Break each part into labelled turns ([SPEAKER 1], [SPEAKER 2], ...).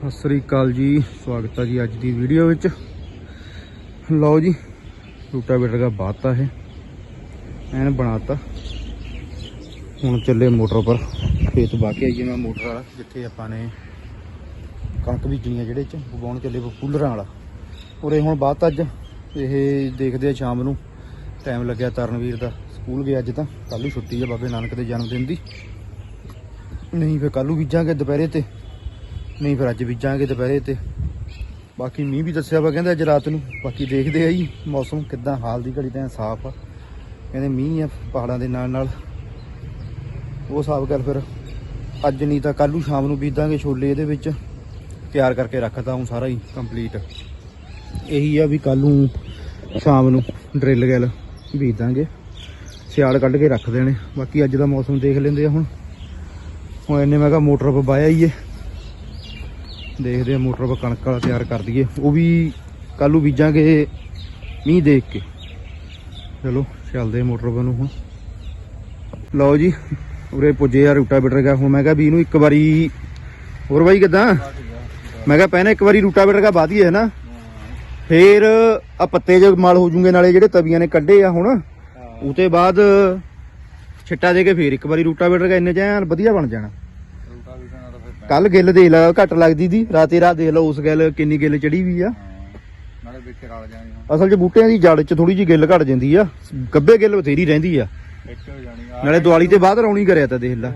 [SPEAKER 1] ਸਤਿ ਸ੍ਰੀ ਅਕਾਲ ਜੀ, ਸਵਾਗਤ ਹੈ ਜੀ ਅੱਜ ਦੀ ਵੀਡੀਓ ਵਿੱਚ। ਲਓ ਜੀ, ਰੂਟਾਵੇਟਰ ਦਾ ਬਾਤਾ ਹੈ ਐਨ ਬਣਾਤਾ। ਹੁਣ ਚੱਲੇ ਮੋਟਰ ਪਰ, ਖੇਤ ਵਾਹ ਕੇ ਆਈਏ ਮੈਂ ਮੋਟਰ ਵਾਲਾ ਜਿੱਥੇ ਆਪਾਂ ਨੇ ਕਣਕ ਬੀਜਣੀ ਆ, ਜਿਹੜੇ ਚ ਵਾਹੁਣ ਚੱਲੇ ਪੂਲਰਾਂ ਵਾਲਾ ਉਰੇ। ਹੁਣ ਬਾਤ ਅੱਜ ਇਹ ਦੇਖਦੇ ਆ ਸ਼ਾਮ ਨੂੰ, ਟਾਈਮ ਲੱਗਿਆ ਤਰਨਵੀਰ ਦਾ ਸਕੂਲ ਗਿਆ ਅੱਜ, ਤਾਂ ਕੱਲ੍ਹ ਨੂੰ ਛੁੱਟੀ ਆ ਬਾਬੇ ਨਾਨਕ ਦੇ ਜਨਮ ਦਿਨ ਦੀ। ਨਹੀਂ ਫਿਰ ਕੱਲ੍ਹ ਨੂੰ ਬੀਜਾਂਗੇ ਦੁਪਹਿਰੇ ਤੇ, ਨਹੀਂ ਫਿਰ ਅੱਜ ਬੀਜਾਂਗੇ ਦੁਪਹਿਰੇ ਤੇ। ਬਾਕੀ ਮੀਂਹ ਵੀ ਦੱਸਿਆ ਵਾ ਕਹਿੰਦੇ ਅੱਜ ਰਾਤ ਨੂੰ, ਬਾਕੀ ਦੇਖਦੇ ਆ ਜੀ ਮੌਸਮ ਕਿੱਦਾਂ। ਹਾਲ ਦੀ ਘੜੀ ਤਾਂ ਸਾਫ਼ ਆ, ਕਹਿੰਦੇ ਮੀਂਹ ਆ ਪਹਾੜਾਂ ਦੇ ਨਾਲ ਨਾਲ, ਉਹ ਹਿਸਾਬ ਕਰ ਫਿਰ ਅੱਜ ਨਹੀਂ ਤਾਂ ਕੱਲ੍ਹ ਨੂੰ ਸ਼ਾਮ ਨੂੰ ਬੀਜਾਂਗੇ ਛੋਲੇ। ਇਹਦੇ ਵਿੱਚ ਤਿਆਰ ਕਰਕੇ ਰੱਖਤਾ ਹੁਣ ਸਾਰਾ ਹੀ ਕੰਪਲੀਟ। ਇਹੀ ਆ ਵੀ ਕੱਲ੍ਹ ਨੂੰ ਸ਼ਾਮ ਨੂੰ ਡਰਿੱਲ ਗੈਲ ਬੀਜ ਦਾਂਗੇ, ਸਿਆਲ ਕੱਢ ਕੇ ਰੱਖ ਦੇਣੇ। ਬਾਕੀ ਅੱਜ ਦਾ ਮੌਸਮ ਦੇਖ ਲੈਂਦੇ ਆ। ਹੁਣ ਇੰਨੇ ਮੈਂ ਕਿਹਾ ਮੋਟਰ ਪਰ ਬਾਇਆ ਹੀ ਹੈ, ਦੇਖਦੇ ਆ ਮੋਟਰ ਪਰ ਕਣਕ ਵਾਲਾ ਤਿਆਰ ਕਰ ਦਈਏ, ਉਹ ਵੀ ਕੱਲ੍ਹ ਨੂੰ ਬੀਜਾਂਗੇ ਮੀਂਹ ਦੇਖ ਕੇ। ਚਲੋ ਚੱਲਦੇ ਮੋਟਰ ਪਰ ਨੂੰ। ਹੁਣ ਲਓ ਜੀ, ਉਰੇ ਪੁੱਜੇ ਆ ਰੂਟਾਵੇਟਰ ਦਾ। ਹੁਣ ਮੈਂ ਕਿਹਾ ਵੀ ਇਹਨੂੰ ਇੱਕ ਵਾਰੀ ਹੋਰ ਬਾਈ ਕਿੱਦਾਂ, ਮੈਂ ਕਿਹਾ ਪਹਿਲਾਂ ਇੱਕ ਵਾਰੀ ਰੂਟਾਵੇਟਰ ਦਾ ਬਾਅਦ ਹੀ ਹੈ ਨਾ, ਫੇਰ ਆ ਪੱਤੇ ਜੇ ਮਲ ਹੋ ਜੂਗੇ, ਨਾਲੇ ਜਿਹੜੇ ਤਵੀਆਂ ਨੇ ਕੱਢੇ ਆ ਹੁਣ ਉਹ ਤੋਂ ਬਾਅਦ ਛਿੱਟਾ ਦੇ ਕੇ ਫੇਰ ਇੱਕ ਵਾਰੀ ਰੂਟਾਵੇਟਰ ਦਾ ਇੰਨੇ ਚ ਵਧੀਆ ਬਣ ਜਾਣਾ। ਕੱਲ ਗਿੱਲ ਦੇਖ ਲਾ ਘੱਟ ਲੱਗਦੀ ਦੀ, ਰਾਤੇ ਰਾਤ ਦੇਖ ਲਓ ਉਸ ਗਿੱਲ ਕਿੰਨੀ ਗਿੱਲ ਚੜੀ ਵੀ ਆ। ਅਸਲ 'ਚ ਬੂਟਿਆਂ ਦੀ ਜੜ 'ਚ ਥੋੜੀ ਜਿਹੀ ਗਿੱਲ ਘਟ ਜਾਂਦੀ ਆ, ਗੱਬੇ ਗਿੱਲ ਬਥੇਰੀ ਰਹਿੰਦੀ ਆ। ਨਾਲੇ ਦੀਵਾਲੀ ਤੇ ਬਾਅਦ ਰੌਣੀ ਕਰਿਆ ਤਾਂ ਦੇਖ ਲਾ।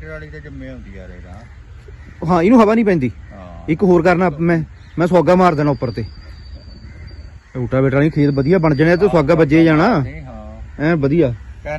[SPEAKER 1] ਹਾਂ ਇਹਨੂੰ ਹਵਾ ਨਹੀਂ ਪੈਂਦੀ। ਇੱਕ ਹੋਰ ਕਰਨਾ ਮੈਂ ਸੁਹਾਗਾ ਮਾਰ ਦੇਣਾ ਉੱਪਰ ਤੇ, ਰੂਟਾਵੇਟਰ ਵਾਲੀ ਖੇਤ ਵਧੀਆ ਬਣ ਜਾਣੇ ਤੇ ਸੁਹਾਗਾ ਵੱਜੇ ਜਾਣਾ ਐ ਵਧੀਆ।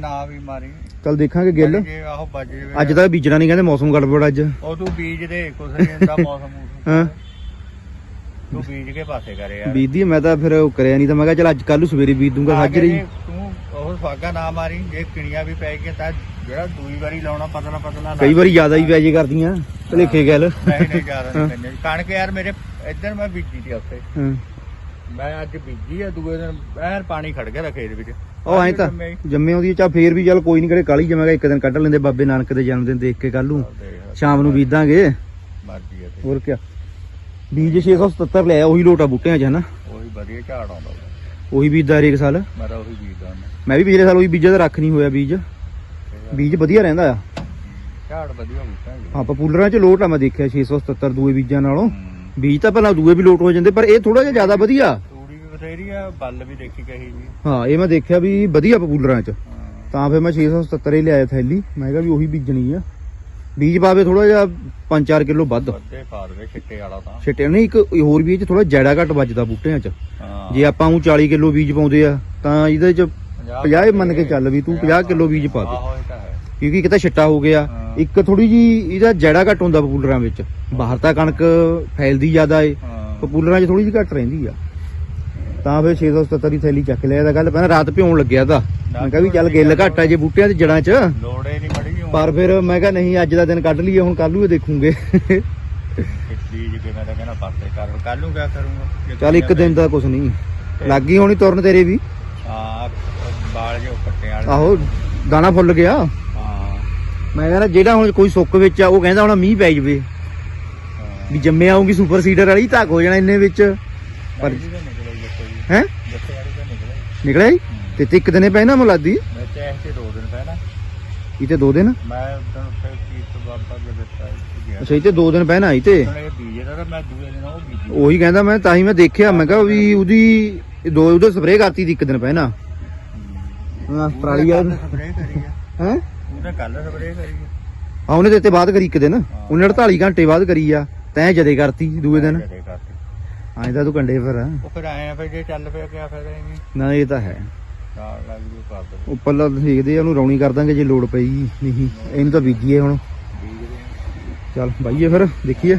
[SPEAKER 1] ਚੱਲ ਦੇਖਾਂਗੇ ਗਿੱਲ। ਅੱਜ ਤਾਂ ਬੀਜਣਾ ਨਹੀਂ ਕਹਿੰਦੇ, ਮੌਸਮ ਗੜਬੜ ਅੱਜ।
[SPEAKER 2] ਉਹ ਤੂੰ ਬੀਜ ਦੇ ਕੁਛ ਨਹੀਂ ਹੁੰਦਾ ਮੌਸਮ। ਹਾਂ ਤੂੰ ਬੀਜ ਕੇ ਪਾਸੇ ਕਰੇ ਯਾਰ।
[SPEAKER 1] ਬੀਜਦੀ ਮੈਂ ਤਾਂ ਫਿਰ ਕਰਿਆ ਨਹੀਂ, ਤਾਂ ਮੈਂ ਕਿਹਾ ਚੱਲ ਅੱਜ ਕੱਲ ਨੂੰ ਸਵੇਰੇ ਬੀਜ ਦੂੰਗਾ ਸਾਜਰੇ ਹੀ।
[SPEAKER 2] ਤੂੰ ਉਹ ਸੁਹਾਗਾ ਨਾ ਮਾਰੀ, ਜੇ ਕਿਣੀਆਂ ਵੀ ਪੈ ਗਈਆਂ ਤਾਂ ਜਿਹੜਾ ਦੂਈ ਵਾਰੀ ਲਾਉਣਾ ਪਤਲਾ ਪਤਲਾ।
[SPEAKER 1] ਕਈ ਵਾਰੀ ਜ਼ਿਆਦਾ ਹੀ ਪੈ ਜੇ ਕਰਦੀਆਂ ਭਲੇਖੇ ਗੱਲ।
[SPEAKER 2] ਨਹੀਂ ਜ਼ਿਆਦਾ ਨਹੀਂ ਕਣਕ ਯਾਰ ਮੇਰੇ ਇੱਧਰ ਮੈਂ ਬੀਜੀ ਸੀ ਉੱਥੇ, ਮੈਂ ਅੱਜ ਬੀਜੀ ਆ, ਦੂਏ ਦਿਨ ਐਨ ਪਾਣੀ ਖੜ ਗਿਆ ਖੇਤ ਵਿੱਚ।
[SPEAKER 1] ਉਹ ਐਂ ਤਾਂ ਜੰਮੇ ਆਉਂਦੀ ਚਾ ਫੇਰ ਵੀ ਚੱਲ ਕੋਈ ਨੀ, ਕਰੇ ਕਾਲੀ ਜਮੇਗਾ ਇੱਕ ਦਿਨ ਕੱਢ ਲੈਂਦੇ ਬਾਬੇ ਨਾਨਕ ਦੇ ਜਨਮ ਦਿਨ ਦੇਖ ਕੇ। ਕੱਲ ਨੂੰ ਸ਼ਾਮ ਨੂੰ ਬੀਜਾਂਗੇ, ਹੋਰ ਕਿਆ। ਬੀਜ 677 ਲਿਆ, ਉਹੀ ਲੋਟਾ ਬੂਟਿਆਂ 'ਚ ਹਨਾ,
[SPEAKER 2] ਉਹੀ ਵਧੀਆ ਝਾੜ ਆਉਂਦਾ,
[SPEAKER 1] ਉਹੀ ਬੀਜਦਾ ਹਰੇਕ ਸਾਲ।
[SPEAKER 2] ਮੈਂ ਤਾਂ ਉਹੀ ਬੀਜਦਾ,
[SPEAKER 1] ਮੈਂ ਵੀ ਪਿਛਲੇ ਸਾਲ ਉਹੀ ਬੀਜਿਆ, ਤਾਂ ਰੱਖ ਨਹੀਂ ਹੋਇਆ ਬੀਜ। ਬੀਜ ਵਧੀਆ ਰਹਿੰਦਾ ਆ,
[SPEAKER 2] ਝਾੜ ਵਧੀਆ ਹੁੰਦਾ।
[SPEAKER 1] ਹਾਂ ਪਪੂਲਰਾਂ 'ਚ ਲੋਟ ਆ, ਮੈਂ ਦੇਖਿਆ 677 ਦੂਏ ਬੀਜਾਂ ਨਾਲੋਂ। ਬੀਜ ਤਾਂ ਭਲਾ ਦੂਏ ਵੀ ਲੋਟ ਹੋ ਜਾਂਦੇ, ਪਰ ਇਹ ਥੋੜਾ ਜਿਹਾ ਜ਼ਿਆਦਾ ਵਧੀਆ।
[SPEAKER 2] ਤੂੜੀ ਵੀ ਬਥੇਰੀ ਆ, ਬੱਲ ਵੀ ਦੇਖੀ ਕਹੀ ਜੀ।
[SPEAKER 1] ਹਾਂ ਇਹ ਮੈਂ ਦੇਖਿਆ ਵੀ ਵਧੀਆ ਪਪੂਲਰਾਂ 'ਚ, ਤਾਂ ਫਿਰ ਮੈਂ 677 ਹੀ ਲਿਆਇਆ ਥੈਲੀ। ਮੈਂ ਕਿਹਾ ਵੀ ਉਹੀ ਬੀਜਣੀ ਆ। ਬੀਜ ਪਾਵੇ ਥੋੜਾ ਜਿਹਾ 5-4 ਕਿਲੋ ਵੱਧ
[SPEAKER 2] ਪਾ ਦੇਵੇ ਛਿੱਟੇ ਵਾਲਾ, ਤਾਂ
[SPEAKER 1] ਛਿੱਟੇ ਨਹੀਂ। ਇੱਕ ਹੋਰ ਵੀ ਇਹ 'ਚ ਥੋੜਾ ਜੈੜਾ ਘੱਟ ਵੱਜਦਾ ਬੂਟਿਆਂ 'ਚ। ਜੇ ਆਪਾਂ ਉਹ 40 ਕਿਲੋ ਬੀਜ ਪਾਉਂਦੇ ਆ ਤਾਂ ਇਹਦੇ 'ਚ 50 ਮੰਨ ਕੇ ਚੱਲ ਵੀ ਤੂੰ 50 ਕਿਲੋ ਬੀਜ ਪਾ ਦੇ, ਕਿਉਂਕਿ ਇੱਕ ਤਾਂ ਛਿੱਟਾ ਹੋ ਗਿਆ, ਇੱਕ ਥੋੜੀ ਜੀ ਇਹਦਾ ਜੈੜਾ ਘੱਟ ਹੁੰਦਾ ਪਪੂਲਰਾਂ ਵਿੱਚ। ਬਾਹਰ ਤਾਂ ਕਣਕ ਫੈਲਦੀ ਜ਼ਿਆਦਾ ਏ, ਪਪੂਲਰਾਂ 'ਚ ਥੋੜੀ ਜਿਹੀ ਘੱਟ ਰਹਿੰਦੀ ਆ। ਤਾਂ ਫਿਰ 677 ਦੀ ਥੈਲੀ ਚੱਕ ਲਿਆ। ਤਾਂ ਗੱਲ ਪਹਿਲਾਂ ਰਾਤ ਭਿਉਣ ਲੱਗਿਆ ਤਾਂ ਮੈਂ ਕਿਹਾ ਵੀ ਚੱਲ ਗਿੱਲ ਘੱਟ ਆ ਜੇ ਬੂਟਿਆਂ 'ਚ ਜੜਾਂ 'ਚ,
[SPEAKER 2] ਲੋੜੇ ਨਹੀਂ ਮੜੀ।
[SPEAKER 1] ਪਰ ਫਿਰ ਮੈਂ ਕਿਹਾ ਨਹੀਂ ਅੱਜ ਦਾ ਦਿਨ ਕੱਢ ਲਈਏ, ਹੁਣ ਕੱਲ ਨੂੰ ਦੇਖੂਗੇ।
[SPEAKER 2] ਬੀਜ ਕੇ ਮੈਂ ਤਾਂ ਕਹਿੰਦਾ ਪਾਸੇ ਕਰ, ਕੱਲ ਨੂੰ ਕਿਆ ਕਰੂੰਗਾ।
[SPEAKER 1] ਚੱਲ ਇੱਕ ਦਿਨ ਦਾ ਕੁਛ ਨਹੀਂ, ਲੱਗ ਗਈ ਹੋਣੀ ਤੁਰਨ ਤੇਰੇ ਵੀ।
[SPEAKER 2] ਹਾਂ ਬਾਲ ਜੋ ਪੱਟੇ ਵਾਲੇ,
[SPEAKER 1] ਆਹੋ ਦਾਣਾ ਫੁੱਲ ਗਿਆ। ਮੈਂ ਕਹਿੰਦਾ ਜਿਹੜਾ ਹੁਣ ਕੋਈ ਸੁੱਕ ਵਿੱਚ ਆ, ਉਹ ਕਹਿੰਦਾ ਹੁਣ ਮੀਂਹ ਪੈ ਜਵੇ ਵੀ ਜੰਮੇ ਆਉਂਗੀ ਸੁਪਰ ਸੀਡਰ ਵਾਲੀ, ਧੱਕ ਹੋ ਜਾਣਾ ਇੰਨੇ ਵਿੱਚ। ਪਰ ਹੈ ਨਿਕਲਿਆ ਹੀ ਤੇ ਇੱਕ ਦਿਨੇ ਪੈ ਨਾ ਮੁਲਾਦੀ ਇਹ ਤੇ 2 ਦਿਨ। ਅੱਛਾ ਇਹ ਤੇ 2 ਦਿਨ ਪਹਿਣਾ ਆਈ ਤੇ ਉਹੀ ਕਹਿੰਦਾ ਮੈਂ, ਤਾਂ ਹੀ ਮੈਂ ਦੇਖਿਆ। ਮੈਂ ਕਿਹਾ ਵੀ ਉਹਦੀ ਉਹਦੇ ਸਪਰੇਅ ਕਰਤੀ ਦੀ ਇੱਕ ਦਿਨ ਪਹਿਣਾ। ਹਾਂ ਪਰਾਲੀ ਆ ਹੈ,
[SPEAKER 2] ਕੱਲ ਸਪਰੇਅ ਕਰੀ
[SPEAKER 1] ਆ ਉਹਨੇ ਤੇ ਬਾਅਦ ਕਰੀ ਇੱਕ ਦਿਨ, ਉਹਨੇ 48 ਘੰਟੇ ਬਾਅਦ ਕਰੀ ਆ, ਤੈਂ ਜਦੇ ਕਰਤੀ ਦੂਏ ਦਿਨ। ਐਂ ਤਾਂ ਤੂੰ ਕੰਡੇ ਫਿਰ
[SPEAKER 2] ਉਹ ਫਿਰ ਆਏ ਆ, ਫਿਰ ਜੇ ਚੱਲ ਪਿਆ ਕਿਆ ਫਾਇਦਾ ਇਹਨੂੰ।
[SPEAKER 1] ਨਾ ਇਹ ਤਾਂ ਹੈ, ਉੱਪਰਲਾ ਦੇਖਦੇ ਆ ਉਹਨੂੰ ਰੌਣੀ ਕਰ ਦਾਂਗੇ ਜੇ ਲੋੜ ਪਈ। ਨਹੀਂ ਇਹਨੂੰ ਤਾਂ ਬੀਜੀਏ ਹੁਣ, ਚੱਲ ਬਾਈਏ ਫਿਰ ਦੇਖੀਏ।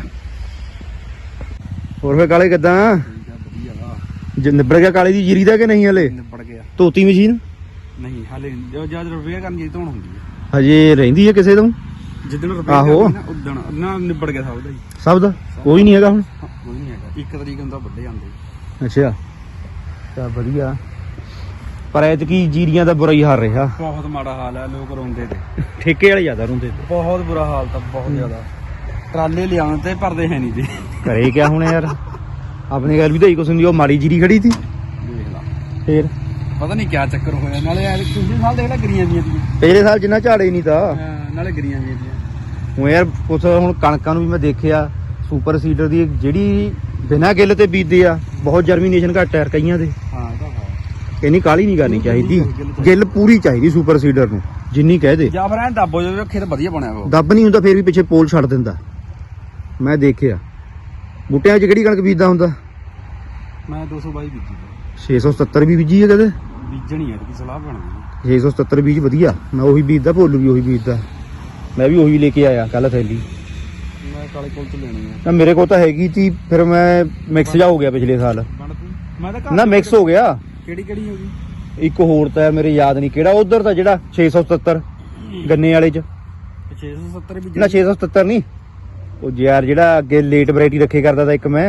[SPEAKER 1] ਹੋਰ ਫਿਰ ਕਾਲੇ ਕਿੱਦਾਂ, ਨਿਬੜ ਗਿਆ ਕਾਲੇ ਦੀ ਜੀਰੀ ਦਾ ਕਿ ਨਹੀਂ? ਹਲੇ
[SPEAKER 2] ਨਿਬੜ ਗਿਆ।
[SPEAKER 1] ਧੋਤੀ ਮਸ਼ੀਨ
[SPEAKER 2] ਨਹੀਂ ਹਲੇ, ਜਦ ਰੁਪਈਆ ਕਰਨ ਜੀ ਧੋਣ ਹੁੰਦੀ ਹੈ,
[SPEAKER 1] ਹਜੇ ਰਹਿੰਦੀ ਹੈ ਕਿਸੇ ਤੋਂ।
[SPEAKER 2] ਜਿੱਦਣ ਰੁਪਈਆ
[SPEAKER 1] ਆਹੋ
[SPEAKER 2] ਉਦਣ ਨਾ ਨਿਬੜ ਗਿਆ ਸਭ ਦਾ ਜੀ।
[SPEAKER 1] ਸਭ ਦਾ ਕੋਈ ਨਹੀਂ ਹੈਗਾ ਹੁਣ,
[SPEAKER 2] ਕੋਈ ਨਹੀਂ ਹੈਗਾ। 1 ਤਰੀਕ ਹੁੰਦਾ ਵੱਡੇ ਜਾਂਦੇ।
[SPEAKER 1] ਅੱਛਾ ਤਾਂ ਵਧੀਆ, ਪਰ ਐਤਕੀ ਜੀਰੀਆਂ ਦਾ ਬੁਰਾ ਹੀ ਹਾਲ ਰਿਹਾ।
[SPEAKER 2] ਬਹੁਤ ਮਾੜਾ ਹਾਲ ਹੈ, ਲੋਕ ਰੋਂਦੇ ਤੇ,
[SPEAKER 1] ਠੇਕੇ ਵਾਲੇ ਜ਼ਿਆਦਾ ਰੋਂਦੇ ਤੇ।
[SPEAKER 2] ਬਹੁਤ ਬੁਰਾ ਹਾਲ ਤਾਂ, ਬਹੁਤ ਜ਼ਿਆਦਾ।
[SPEAKER 3] ਟਰਾਲੇ ਲਿਆਉਣ ਤੇ ਭਰਦੇ ਹੈ ਨਹੀਂ ਜੀ।
[SPEAKER 1] ਘਰੇ ਕਿਆ ਹੁਣ ਯਾਰ, ਆਪਣੀ ਗੱਲ ਵੀ ਤਾਂ ਹੀ ਕੁਛ ਹੁੰਦੀ, ਉਹ ਮਾੜੀ ਜੀਰੀ ਖੜੀ ਸੀ
[SPEAKER 3] ਦੇਖ ਲਾ
[SPEAKER 1] ਫੇਰ।
[SPEAKER 3] ਪਤਾ ਨਹੀਂ ਕਿਆ ਚੱਕਰ ਹੋਇਆ, ਨਾਲੇ ਯਾਰ ਪਿਛਲੇ ਸਾਲ ਦੇਖ ਲੈ ਗਰੀਆਂ ਦੀਆਂ
[SPEAKER 1] ਪਿਛਲੇ ਸਾਲ ਜਿੰਨਾ ਝਾੜੇ ਨਹੀਂ ਤਾਂ
[SPEAKER 3] ਨਾਲੇ ਗਰੀਆਂ ਦੀਆਂ
[SPEAKER 1] ਹੁਣ ਯਾਰ ਕੁਛ ਹੁਣ ਕਣਕਾਂ ਨੂੰ ਵੀ ਮੈਂ ਦੇਖਿਆ ਸੁਪਰ ਸੀਡਰ ਦੀ ਜਿਹੜੀ ਬਿਨਾਂ ਗਿੱਲ ਤੇ ਬੀਜਦੇ ਆ, ਬਹੁਤ ਜਰਮੀਨੇਸ਼ਨ ਘੱਟ ਹੈ ਕਈਆਂ ਦੇ।
[SPEAKER 3] ਹਾਂ ਇਹ ਤਾਂ ਹੈ।
[SPEAKER 1] ਇੰਨੀ ਕਾਲੀ ਨਹੀਂ ਕਰਨੀ ਚਾਹੀਦੀ, ਗਿੱਲ ਪੂਰੀ ਚਾਹੀਦੀ ਸੁਪਰ ਸੀਡਰ ਨੂੰ ਜਿੰਨੀ ਕਹਿ ਦੇ।
[SPEAKER 3] ਜਾਂ ਫਿਰ ਐਂ ਦੱਬੋ ਜੋ ਖੇਤ ਵਧੀਆ ਬਣਿਆ ਵਾ।
[SPEAKER 1] ਦੱਬ ਨਹੀਂ ਹੁੰਦਾ ਫੇਰ ਵੀ ਪਿੱਛੇ ਪੋਲ ਛੱਡ ਦਿੰਦਾ, ਮੈਂ ਦੇਖਿਆ। ਬੂਟਿਆਂ 'ਚ ਕਿਹੜੀ ਕਣਕ ਬੀਜਦਾ ਹੁੰਦਾ?
[SPEAKER 3] ਮੈਂ 222 ਬੀਜੀ
[SPEAKER 1] 670 ਵੀ ਬੀਜੀ ਹੈ ਕਦੇ?
[SPEAKER 3] ਬੀਜਣੀ ਹੈ ਕਿ ਸਲਾਹ ਬਣਦੀ
[SPEAKER 1] 670 ਬੀਜ ਵਧੀਆ, ਮੈਂ ਉਹੀ ਬੀਜਦਾ, ਭੋਲੂ ਵੀ ਉਹੀ ਬੀਜਦਾ, ਮੈਂ ਵੀ ਉਹੀ ਲੈ ਕੇ ਆਇਆ ਕੱਲ ਥੈਲੀ।
[SPEAKER 3] ਮੈਂ ਕਾਲੇ ਕੋਲ ਤੋਂ ਲੈਣੀ ਹੈ
[SPEAKER 1] ਨਾ ਮੇਰੇ ਕੋਲ ਤਾਂ ਹੈਗੀ ਤੀ, ਫਿਰ ਮੈਂ ਮਿਕਸ ਜਾ ਹੋ ਗਿਆ ਪਿਛਲੇ ਸਾਲ।
[SPEAKER 3] ਬਣਦੀ ਮੈਂ ਤਾਂ
[SPEAKER 1] ਨਾ ਮਿਕਸ ਹੋ ਗਿਆ।
[SPEAKER 3] ਕਿਹੜੀ ਕਿਹੜੀ ਹੋ ਗਈ?
[SPEAKER 1] ਇੱਕ ਹੋਰ ਤਾਂ ਮੇਰੇ ਯਾਦ ਨਹੀਂ ਕਿਹੜਾ, ਉਧਰ ਦਾ ਜਿਹੜਾ 677 ਗੰਨੇ ਵਾਲੇ 'ਚ।
[SPEAKER 3] 670 ਵੀ
[SPEAKER 1] ਨਾ 677 ਨਹੀਂ, ਉਹ ਯਾਰ ਜਿਹੜਾ ਅੱਗੇ ਲੇਟ ਵੈਰਾਈਟੀ ਰੱਖੇ ਕਰਦਾ ਤਾਂ ਇੱਕ ਮੈਂ,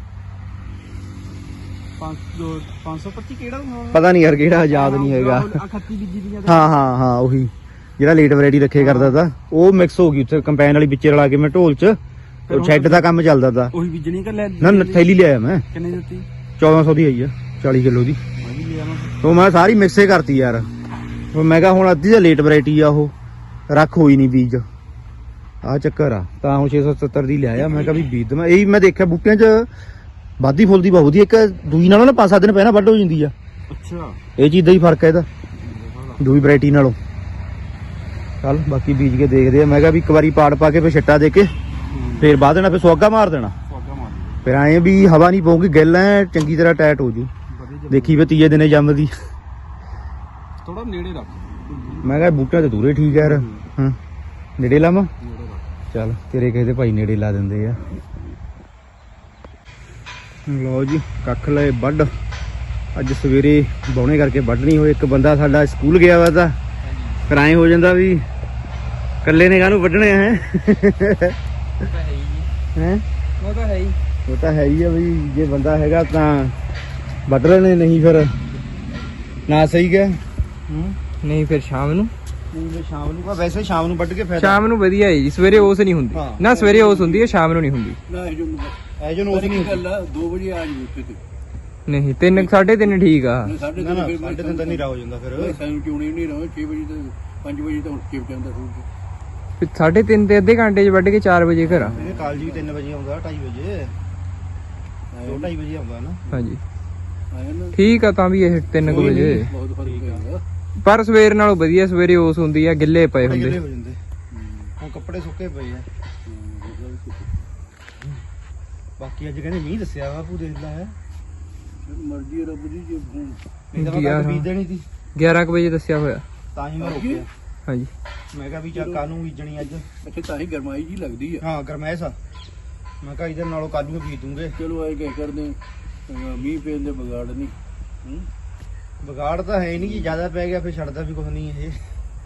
[SPEAKER 3] 525 ਕਿਹੜਾ ਹੋਣਾ?
[SPEAKER 1] ਪਤਾ ਨਹੀਂ ਯਾਰ ਕਿਹੜਾ, ਯਾਦ ਨਹੀਂ ਹੈਗਾ।
[SPEAKER 3] 38 ਬੀਜੀ ਦੀਆਂ
[SPEAKER 1] ਹਾਂ ਉਹੀ ਜਿਹੜਾ ਲੇਟ ਵੈਰਾਈਟੀ ਰੱਖੇ ਕਰਦਾ ਤਾ, ਉਹ ਮਿਕਸ ਹੋ ਗਈ ਉੱਥੇ ਕੰਪੈਨ ਵਾਲੀ ਵਿੱਚੇ ਰਲਾ ਕੇ ਮੈਂ ਢੋਲ 'ਚ। ਉਹ ਸ਼ੈੱਡ ਦਾ ਕੰਮ ਚੱਲਦਾ ਤਾ।
[SPEAKER 3] ਉਹੀ ਬੀਜਣੀ ਕਰ ਲੈ
[SPEAKER 1] ਨਾ ਥੈਲੀ ਲਿਆਇਆ ਮੈਂ,
[SPEAKER 3] ਕਿੰਨੇ ਦਿੱਤੀ?
[SPEAKER 1] 1400 ਦੀ ਆਈ ਆ, 40 ਕਿਲੋ ਦੀ।
[SPEAKER 3] ਮੈਂ ਵੀ ਲਿਆ ਮੈਂ।
[SPEAKER 1] ਉਹ ਮੈਂ ਸਾਰੀ ਮਿਕਸੇ ਕਰਤੀ ਯਾਰ। ਉਹ ਮੈਂ ਕਿਹਾ ਹੁਣ ਅੱਧੀ ਤਾਂ ਲੇਟ ਵੈਰਾਈਟੀ ਆ, ਉਹ ਰੱਖ ਹੋਈ ਨਹੀਂ ਬੀਜ, ਆ ਚੱਕਰ ਆ। ਤਾਂ ਹੁਣ 670 ਦੀ ਲਿਆਇਆ, ਮੈਂ ਕਿਹਾ ਵੀ ਬੀਜ ਦਵਾਂ। ਇਹੀ ਮੈਂ ਦੇਖਿਆ ਬੂਟਿਆਂ 'ਚ ਵਾਧੀ ਫੁੱਲਦੀ ਬਹੁਤ ਵਧੀਆ, ਇੱਕ ਦੂਈ ਨਾਲੋਂ ਨਾ 5-7 ਦਿਨ ਪਹਿਲਾਂ ਵੱਢ ਹੋ ਜਾਂਦੀ ਆ।
[SPEAKER 3] ਅੱਛਾ
[SPEAKER 1] ਇਹ ਚੀਜ਼ ਦਾ ਹੀ ਫਰਕ ਹੈ ਇਹਦਾ ਦੂਈ ਵੈਰਾਈਟੀ ਨਾਲੋਂ। ਚੱਲ ਬਾਕੀ ਬੀਜ ਕੇ ਦੇਖਦੇ ਆ। ਮੈਂ ਕਿਹਾ ਵੀ ਇੱਕ ਵਾਰੀ ਪਾੜ ਪਾ ਕੇ ਫਿਰ ਛੱਟਾ ਦੇ ਕੇ ਫੇਰ ਬਾਅਦ ਦੇਣਾ, ਫਿਰ ਸੁਆਗਾ ਮਾਰ ਦੇਣਾ,
[SPEAKER 3] ਸਵਾਗਾ ਮਾਰ
[SPEAKER 1] ਫਿਰ ਐਂ ਵੀ ਹਵਾ ਨਹੀਂ ਪਊਗੀ, ਗਿੱਲ ਐ ਚੰਗੀ ਤਰ੍ਹਾਂ ਟਾਈਟ ਹੋ ਜੂ। ਦੇਖੀ ਵੀ ਤੀਏ ਦਿਨੇ ਜੰਮਦੀ।
[SPEAKER 3] ਥੋੜਾ ਨੇੜੇ ਰੱਖ।
[SPEAKER 1] ਮੈਂ ਕਿਹਾ ਬੂਟਾ ਤੇ ਦੂਰੇ ਠੀਕ ਹੈ ਯਾਰ। ਹਾਂ ਨੇੜੇ ਲਾਵਾਂ?
[SPEAKER 3] ਨੇੜੇ ਰੱਖ।
[SPEAKER 1] ਚੱਲ ਤੇਰੇ ਕਿਸੇ ਦੇ ਭਾਈ ਨੇੜੇ ਲਾ ਦਿੰਦੇ ਆ। ਲਓ ਜੀ ਕੱਖ ਲਏ ਵੱਢ, ਅੱਜ ਸਵੇਰੇ ਬੌਣੇ ਕਰਕੇ ਵੱਢ ਨਹੀਂ ਹੋਏ। ਇੱਕ ਬੰਦਾ ਸਾਡਾ ਸਕੂਲ ਗਿਆ ਵਾ ਤਾਂ ਫਿਰ ਐਂ ਹੋ ਜਾਂਦਾ ਵੀ ਇਕੱਲੇ ਨੇ ਕਾਹਨੂੰ ਵੱਢਣੇ ਹੈ। ਹੈਂ
[SPEAKER 3] ਉਹ ਤਾਂ ਹੈ ਹੀ।
[SPEAKER 1] ਉਹ ਤਾਂ ਹੈ ਹੀ ਆ ਬਈ, ਜੇ ਬੰਦਾ ਹੈਗਾ ਤਾਂ ਵੱਢ ਲੈਣੇ, ਨਹੀਂ ਫਿਰ ਨਾ। ਸਹੀ ਗਿਆ
[SPEAKER 4] ਨਹੀਂ ਫਿਰ ਸ਼ਾਮ ਨੂੰ,
[SPEAKER 1] ਨਹੀਂ ਸ਼ਾਮ ਨੂੰ, ਵੈਸੇ ਸ਼ਾਮ ਨੂੰ ਵੱਢ ਕੇ ਫਾਇਦਾ।
[SPEAKER 4] ਸ਼ਾਮ ਨੂੰ ਵਧੀਆ ਹੈ ਜੀ, ਸਵੇਰੇ ਓਸ ਨਹੀਂ ਹੁੰਦੀ
[SPEAKER 1] ਹਾਂ।
[SPEAKER 4] ਨਾ, ਸਵੇਰੇ ਓਸ ਹੁੰਦੀ ਹੈ, ਸ਼ਾਮ ਨੂੰ ਨਹੀਂ ਹੁੰਦੀ।
[SPEAKER 3] ਨਾ ਇਹ ਜੋ
[SPEAKER 1] ਐਜੋ ਨੋਸ ਨਹੀਂ ਹੁੰਦੀ।
[SPEAKER 3] 2 ਵਜੇ ਆ ਜੀ ਉੱਥੇ ਤੇ
[SPEAKER 4] ਨਹੀਂ 3-3:30 ਠੀਕ ਆ।
[SPEAKER 3] ਸਾਡੇ
[SPEAKER 1] ਨਾ ਨਾ ਸਾਡੇ ਦਿਨ ਤਾਂ ਨਹੀਂ ਰਾ ਹੋ ਜਾਂਦਾ ਫਿਰ।
[SPEAKER 3] ਸਾਨੂੰ ਕਿਉਂ ਨਹੀਂ ਰਹੋ 6 ਵਜੇ ਤੋਂ 5 ਵਜੇ ਤਾਂ ਉੱਠ ਕੇ ਜਾਂਦਾ ਸੂਰਜ।
[SPEAKER 4] ਫਿਰ 3:30 ਤੇ ਅੱਧੇ ਘੰਟੇ 'ਚ ਵੱਢ ਕੇ 4 ਵਜੇ ਘਰ ਆ।
[SPEAKER 1] ਇਹ ਕਾਲਜ ਵੀ 3 ਵਜੇ ਆਉਂਦਾ, 2:30 ਵਜੇ 2:30 ਵਜੇ ਆਉਂਦਾ ਨਾ।
[SPEAKER 4] ਹਾਂਜੀ
[SPEAKER 3] ਆਇਆ ਨਾ
[SPEAKER 4] ਠੀਕ ਆ, ਤਾਂ ਵੀ ਇਹ 3 ਵਜੇ।
[SPEAKER 3] ਬਹੁਤ ਫਰਕ ਹੈਗਾ।
[SPEAKER 4] ਪਰ ਸਵੇਰ ਨਾਲੋਂ ਵਧੀਆ, ਸਵੇਰੇ ਓਸ ਹੁੰਦੀ ਆ, ਗਿੱਲੇ ਪਏ
[SPEAKER 1] ਗਿੱਲੇ
[SPEAKER 4] ਹੁੰਦੇ।
[SPEAKER 1] ਹੋ ਜਾਂਦੇ, ਹੁਣ ਕੱਪੜੇ ਸੁੱਕੇ ਪਏ ਆ। ਬਾਕੀ ਅੱਜ ਕਹਿੰਦੇ ਮੀਂਹ ਦੱਸਿਆ ਬਾਪੂ, ਦੇਖ ਲੈ ਹੈ
[SPEAKER 3] ਮਰਜ਼ੀ ਹੈ ਰੱਬ ਦੀ। ਜੇ
[SPEAKER 1] ਨਹੀਂ ਤਾਂ ਮੈਂ ਬੀਜ ਦੇਣੀ ਸੀ,
[SPEAKER 4] 11 ਵਜੇ ਦੱਸਿਆ ਹੋਇਆ।
[SPEAKER 1] ਤਾਂ ਹੀ ਮੈਂ ਰੋਕਿਆ।
[SPEAKER 4] ਹਾਂਜੀ
[SPEAKER 1] ਮੈਂ ਕਿਹਾ ਵੀ ਚੱਕਾ ਨੂੰ ਬੀਜਣੀ ਅੱਜ।
[SPEAKER 3] ਅੱਛਾ ਤਾਂ ਹੀ ਗਰਮਾਈ ਜੀ ਲੱਗਦੀ ਆ।
[SPEAKER 1] ਹਾਂ ਗਰਮੈਸ਼ ਆ, ਮੈਂ ਕਿਹਾ ਇਧਰ ਨਾਲੋਂ ਕੱਲ ਨੂੰ ਬੀਜ ਦੂੰਗੇ।
[SPEAKER 3] ਚਲੋ ਆਏ ਕਹਿ ਕਰਦੇ ਮੀਂਹ ਪੈਣ ਦੇ ਵਿਗਾੜ ਨਹੀਂ।
[SPEAKER 1] ਵਿਗਾੜ ਤਾਂ ਹੈ ਨਹੀਂ, ਜੀ ਜ਼ਿਆਦਾ ਪੈ ਗਿਆ ਫਿਰ ਛੱਡਦਾ ਵੀ ਕੁਝ ਨਹੀਂ ਇਹ।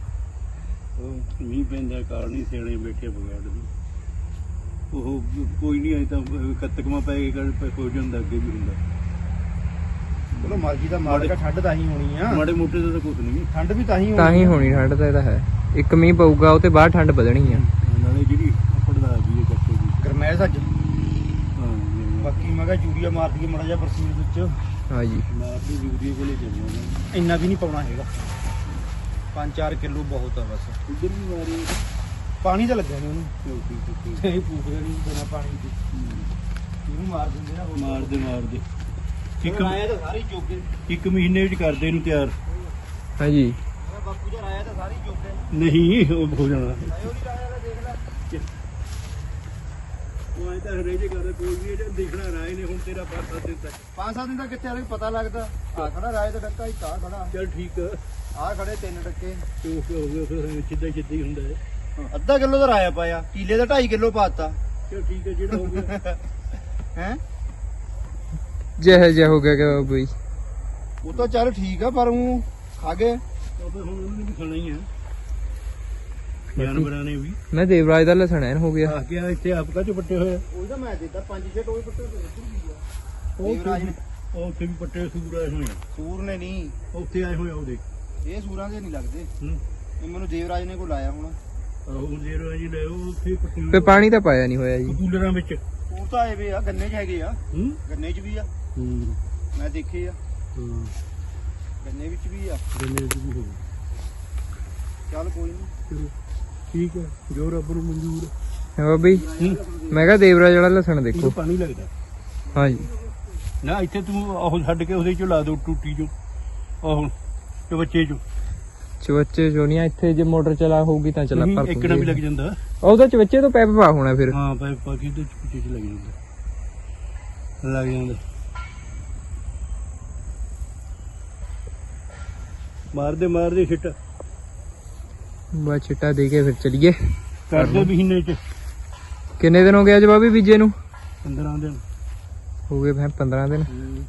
[SPEAKER 3] ਮੀਂਹ ਪੈਣ ਦਾ ਕਾਰਨ ਹੀ ਸਿਆਣੇ ਬੈਠੇ ਵਿਗਾੜ ਦੀ। ਉਹ ਕੋਈ ਨਹੀਂ, ਅਜੇ ਤਾਂ ਕੱਤਕਮਾ ਪੈ ਕੇ ਹੋ ਜਾਂਦਾ, ਅੱਗੇ ਵੀ ਹੁੰਦਾ।
[SPEAKER 1] ਚਲੋ ਮਰਜ਼ੀ ਦਾ ਮਾਲਕ ਆ, ਠੰਡ ਤਾਂ ਹੀ ਹੋਣੀ ਆ।
[SPEAKER 3] ਮਾੜੇ ਮੋਟੇ ਦਾ ਤਾਂ ਕੁਝ ਨਹੀਂ।
[SPEAKER 1] ਠੰਡ ਵੀ ਤਾਂ ਹੀ
[SPEAKER 4] ਤਾਂ ਹੀ ਹੋਣੀ ਠੰਡ, ਤਾਂ ਇਹਦਾ ਹੈ। ਇੱਕ ਮੀਂਹ ਪਊਗਾ ਉਹ ਤੇ ਬਾਅਦ ਠੰਡ ਵਧਣੀ ਆ।
[SPEAKER 3] ਨਾਲੇ ਜਿਹੜੀ ਪੜਦਾ ਆ ਗਈ ਕੱਟੇ ਦੀ।
[SPEAKER 1] ਗਰਮੈਸ਼ ਅੱਜ।
[SPEAKER 3] ਹਾਂ
[SPEAKER 1] ਬਾਕੀ ਮੈਂ ਕਿਹਾ ਯੂਰੀਆ ਮਾਰ ਦਈਏ ਮਾੜਾ ਜਿਹਾ ਬਰਸੀਨ ਵਿੱਚ।
[SPEAKER 4] ਹਾਂਜੀ
[SPEAKER 3] ਮਾਰਦੀ ਯੂਰੀਏ ਕੋਲੇ ਚੱਲਣਾ।
[SPEAKER 1] ਇੰਨਾ ਵੀ ਨਹੀਂ ਪਾਉਣਾ ਹੈਗਾ, 5-4 ਕਿਲੋ ਬਹੁਤ ਆ ਬਸ।
[SPEAKER 3] ਉੱਧਰ ਵੀ ਮਾਰੀ
[SPEAKER 1] ਪਾਣੀ ਤਾਂ ਲੱਗਿਆ ਨਹੀਂ ਉਹਨੂੰ,
[SPEAKER 3] ਚੌਕੀ
[SPEAKER 1] ਇਹ ਪੂਕਦੇ ਨਹੀਂ ਬਿਨਾਂ ਪਾਣੀ ਦੇ। ਇਹਨੂੰ ਮਾਰ ਦਿੰਦੇ ਆ ਹੋਰ।
[SPEAKER 3] ਮਾਰਦੇ
[SPEAKER 1] ਇੱਕ ਆਇਆ ਤਾਂ ਸਾਰੀ ਜੋਗੇ।
[SPEAKER 3] 1 ਮਹੀਨੇ ਵਿੱਚ ਕਰਦੇ ਇਹਨੂੰ ਤਿਆਰ।
[SPEAKER 4] ਹਾਂਜੀ
[SPEAKER 1] ਬਾਪੂ ਜੀ ਆਇਆ ਤਾਂ ਸਾਰੀ ਜੋਗੇ।
[SPEAKER 3] ਨਹੀਂ ਉਹ ਹੋ ਜਾਣਾ।
[SPEAKER 1] ਆਇਓ ਨਹੀਂ ਆਇਆ ਤਾਂ ਦੇਖ ਲੈ।
[SPEAKER 3] ਉਹ ਐ ਤਾਂ ਹਰੇ ਜੇ ਕਰਦੇ ਕੋਈ ਵੀ ਇਹ ਦੇਖਣਾ ਰਾਏ ਨੇ ਹੁਣ ਤੇਰਾ 5-7 ਦਿਨ ਤੱਕ।
[SPEAKER 1] 5-7 ਦਿਨ ਦਾ ਕਿੱਥੇ ਆ ਪਤਾ ਲੱਗਦਾ। ਆ ਖੜਾ ਰਾਏ ਦਾ ਡੱਕਾ, ਇੱਕ ਆ ਖੜਾ,
[SPEAKER 3] ਚੱਲ ਠੀਕ ਆ।
[SPEAKER 1] ਆ ਖੜੇ 3 ਡੱਕੇ।
[SPEAKER 3] ਤੇ ਉਹ ਹੋ ਗਿਆ ਫਿਰ ਸਿੱਧਾ ਹੀ ਹੁੰਦਾ ਹੈ।
[SPEAKER 1] ਅੱਧਾ ਕਿਲੋ ਦਾ ਰਾਇਆ ਪਾਇਆ, ਕੀਲੇ ਦਾ 2.5 ਕਿਲੋ ਪਾਤਾ।
[SPEAKER 3] ਚਲ ਠੀਕ ਹੈ ਜਿਹੜਾ ਹੋ ਗਿਆ।
[SPEAKER 1] ਹੈ
[SPEAKER 4] ਜਿਹੇ ਜਿਹਾ ਹੋ ਗਿਆ ਕਿ ਬਈ।
[SPEAKER 1] ਉਹ ਤਾਂ ਚੱਲ ਠੀਕ ਆ, ਪਰ ਉਹ ਖਾ ਗਏ।
[SPEAKER 3] ਉਹ ਤਾਂ ਹੁਣ ਉਹਨੂੰ ਵੀ ਖਾਣਾ ਹੀ ਆ, ਜਾਨਵਰਾਂ ਨੇ ਵੀ।
[SPEAKER 4] ਮੈਂ ਦੇਵਰਾਜ ਦਾ ਲਸਣ ਐਨ ਹੋ ਗਿਆ।
[SPEAKER 3] ਆ ਗਿਆ ਇੱਥੇ ਆਪ ਕਾ ਚ ਪੱਟੇ ਹੋਏ ਆ।
[SPEAKER 1] ਉਹਦਾ ਮੈਂ ਦਿੱਤਾ 5-6 ਟੋਏ ਪੱਟੇ
[SPEAKER 3] ਉਹ
[SPEAKER 1] ਦੇਵਰਾਜ ਨੇ।
[SPEAKER 3] ਉਹ ਉੱਥੇ ਵੀ ਪੱਟੇ ਸੂਰ ਆਏ ਹੋਏ ਆ।
[SPEAKER 1] ਸੂਰ ਨੇ ਨਹੀਂ,
[SPEAKER 3] ਉੱਥੇ ਆਏ ਹੋਏ ਆ ਉਹਦੇ।
[SPEAKER 1] ਇਹ ਸੂਰਾਂ ਦੇ ਨਹੀਂ ਲੱਗਦੇ।
[SPEAKER 3] ਹੂੰ
[SPEAKER 1] ਇਹ ਮੈਨੂੰ ਦੇਵਰਾਜ ਨੇ ਕੋ ਲਾਇਆ ਹੁਣ।
[SPEAKER 3] ਉਹ ਜ਼ੀਰੋ ਜੀ ਲੈ ਉਹ ਉੱਥੇ
[SPEAKER 4] ਫੇ ਪਾਣੀ ਤਾਂ ਪਾਇਆ ਨਹੀਂ ਹੋਇਆ ਜੀ।
[SPEAKER 3] ਕੂਲਰਾਂ ਵਿੱਚ
[SPEAKER 1] ਉਹ ਤਾਂ ਆਏ ਵੇ ਆ ਗੰਨੇ 'ਚ ਹੈਗੇ ਆ,
[SPEAKER 3] ਹੂੰ
[SPEAKER 1] ਗੰਨੇ 'ਚ ਵੀ ਆ,
[SPEAKER 3] ਹੂੰ
[SPEAKER 1] ਮੈਂ ਦੇਖੇ ਆ,
[SPEAKER 3] ਹਾਂ
[SPEAKER 1] ਗੰਨੇ ਵਿੱਚ ਵੀ ਆ।
[SPEAKER 3] ਗੰਨੇ ਚ ਵੀ ਹੋ
[SPEAKER 1] ਚੱਲ ਕੋਈ ਨਹੀਂ।
[SPEAKER 3] ਚਲੋ ਠੀਕ ਹੈ ਜੋ ਰੱਬ ਨੂੰ ਮਨਜ਼ੂਰ ਹੈ।
[SPEAKER 4] ਹੈ ਬਾਬੀ ਮੈਂ ਕਿਹਾ ਦੇਵਰਾਜ ਵਾਲਾ ਲਸਣ
[SPEAKER 3] ਇਹਨੂੰ
[SPEAKER 4] ਦੇਖੋ।
[SPEAKER 3] ਪਾਣੀ ਲੱਗਦਾ
[SPEAKER 4] ਹਾਂਜੀ
[SPEAKER 3] ਨਾ ਇੱਥੇ ਤੂੰ ਉਹ ਛੱਡ ਕੇ ਉਹਦੇ ਚੋਂ ਲਾ ਦੋ ਟੂਟੀ ਚੋਂ ਉਹ ਤੇ ਬੱਚੇ ਚੋਂ
[SPEAKER 4] ਚਵੱਚੇ ਚੋਣੀਆਂ ਇੱਥੇ ਜੇ ਮੋਟਰ ਚਲਾ ਹੋਊਗੀ ਤਾਂ ਚਲਾ ਪਰ
[SPEAKER 3] ਇੱਕ ਨਾ ਵੀ ਲੱਗ ਜਾਂਦਾ
[SPEAKER 4] ਉਹਦਾ ਚਵੱਚੇ ਤੋਂ ਪੈਪ ਪਾ ਹੋਣਾ ਫਿਰ।
[SPEAKER 3] ਹਾਂ ਪਾਈਪ ਪਾ ਕੇ ਤੇ ਪਿੱਛੇ ਚ ਲੱਗ ਜਾਂਦਾ ਲੱਗ ਜਾਂਦਾ ਮਾਰਦੇ ਛਿੱਟ
[SPEAKER 4] ਬਸ ਛਿੱਟਾ ਦੇ ਕੇ ਫਿਰ ਚਲੀਏ।
[SPEAKER 3] ਕਰਦੇ ਮਹੀਨੇ ਚ
[SPEAKER 4] ਕਿੰਨੇ ਦਿਨ ਹੋ ਗਏ ਅੱਜ ਬਾਬੀ ਬੀਜੇ ਨੂੰ?
[SPEAKER 3] 15 ਦਿਨ
[SPEAKER 4] ਹੋ ਗਏ ਫਿਰ 15 ਦਿਨ।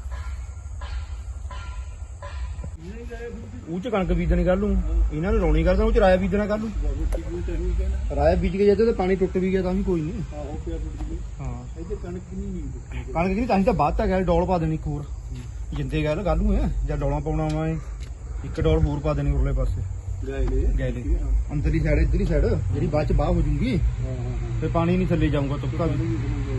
[SPEAKER 1] ਉਹ 'ਚ ਕਣਕ ਬੀਜਣੀ ਕਰ ਲੂੰ, ਇਹਨਾਂ ਨੂੰ ਰੌਣੀ ਕਰਦਾ, ਉਹ 'ਚ ਰਾਇਆ ਬੀਜਣਾ ਕਰ ਲੂੰ। ਰਾਇਆ ਬੀਜ ਕੇ ਜਦੋਂ ਤੇ ਪਾਣੀ ਟੁੱਟ ਵੀ ਗਿਆ ਤਾਂ ਵੀ ਕੋਈ ਨਹੀਂ।
[SPEAKER 3] ਆਹੋ ਪਿਆ ਟੁੱਟ ਗਈ
[SPEAKER 1] ਹਾਂ
[SPEAKER 3] ਇੱਥੇ ਕਣਕ ਨਹੀਂ
[SPEAKER 1] ਕਣਕ ਨਹੀਂ ਤਾਂ ਹੀ ਤਾਂ ਬਾਅਦ ਤਾਂ ਗਿਆ ਡੋਲ ਪਾ ਦੇਣੀ ਇੱਕ ਹੋਰ ਜਿੰਦੇ ਗੱਲ ਗੱਲ ਨੂੰ ਹੈ ਜਾਂ ਡੋਲਾਂ ਪਾਉਣਾ ਵਾ ਇੱਕ ਡੋਲ ਹੋਰ ਪਾ ਦੇਣੀ ਉਰਲੇ ਪਾਸੇ ਗਏ ਨੇ ਅੰਦਰਲੀ ਸਾਈਡ ਇੱਧਰਲੀ ਸਾਈਡ ਜਿਹੜੀ ਬਾਅਦ ਚ ਬਾਹ ਹੋ ਜੂਗੀ ਤੇ ਪਾਣੀ ਨਹੀਂ ਥੱਲੇ ਜਾਊਗਾ ਤੁਪਕਾ ਵੀ।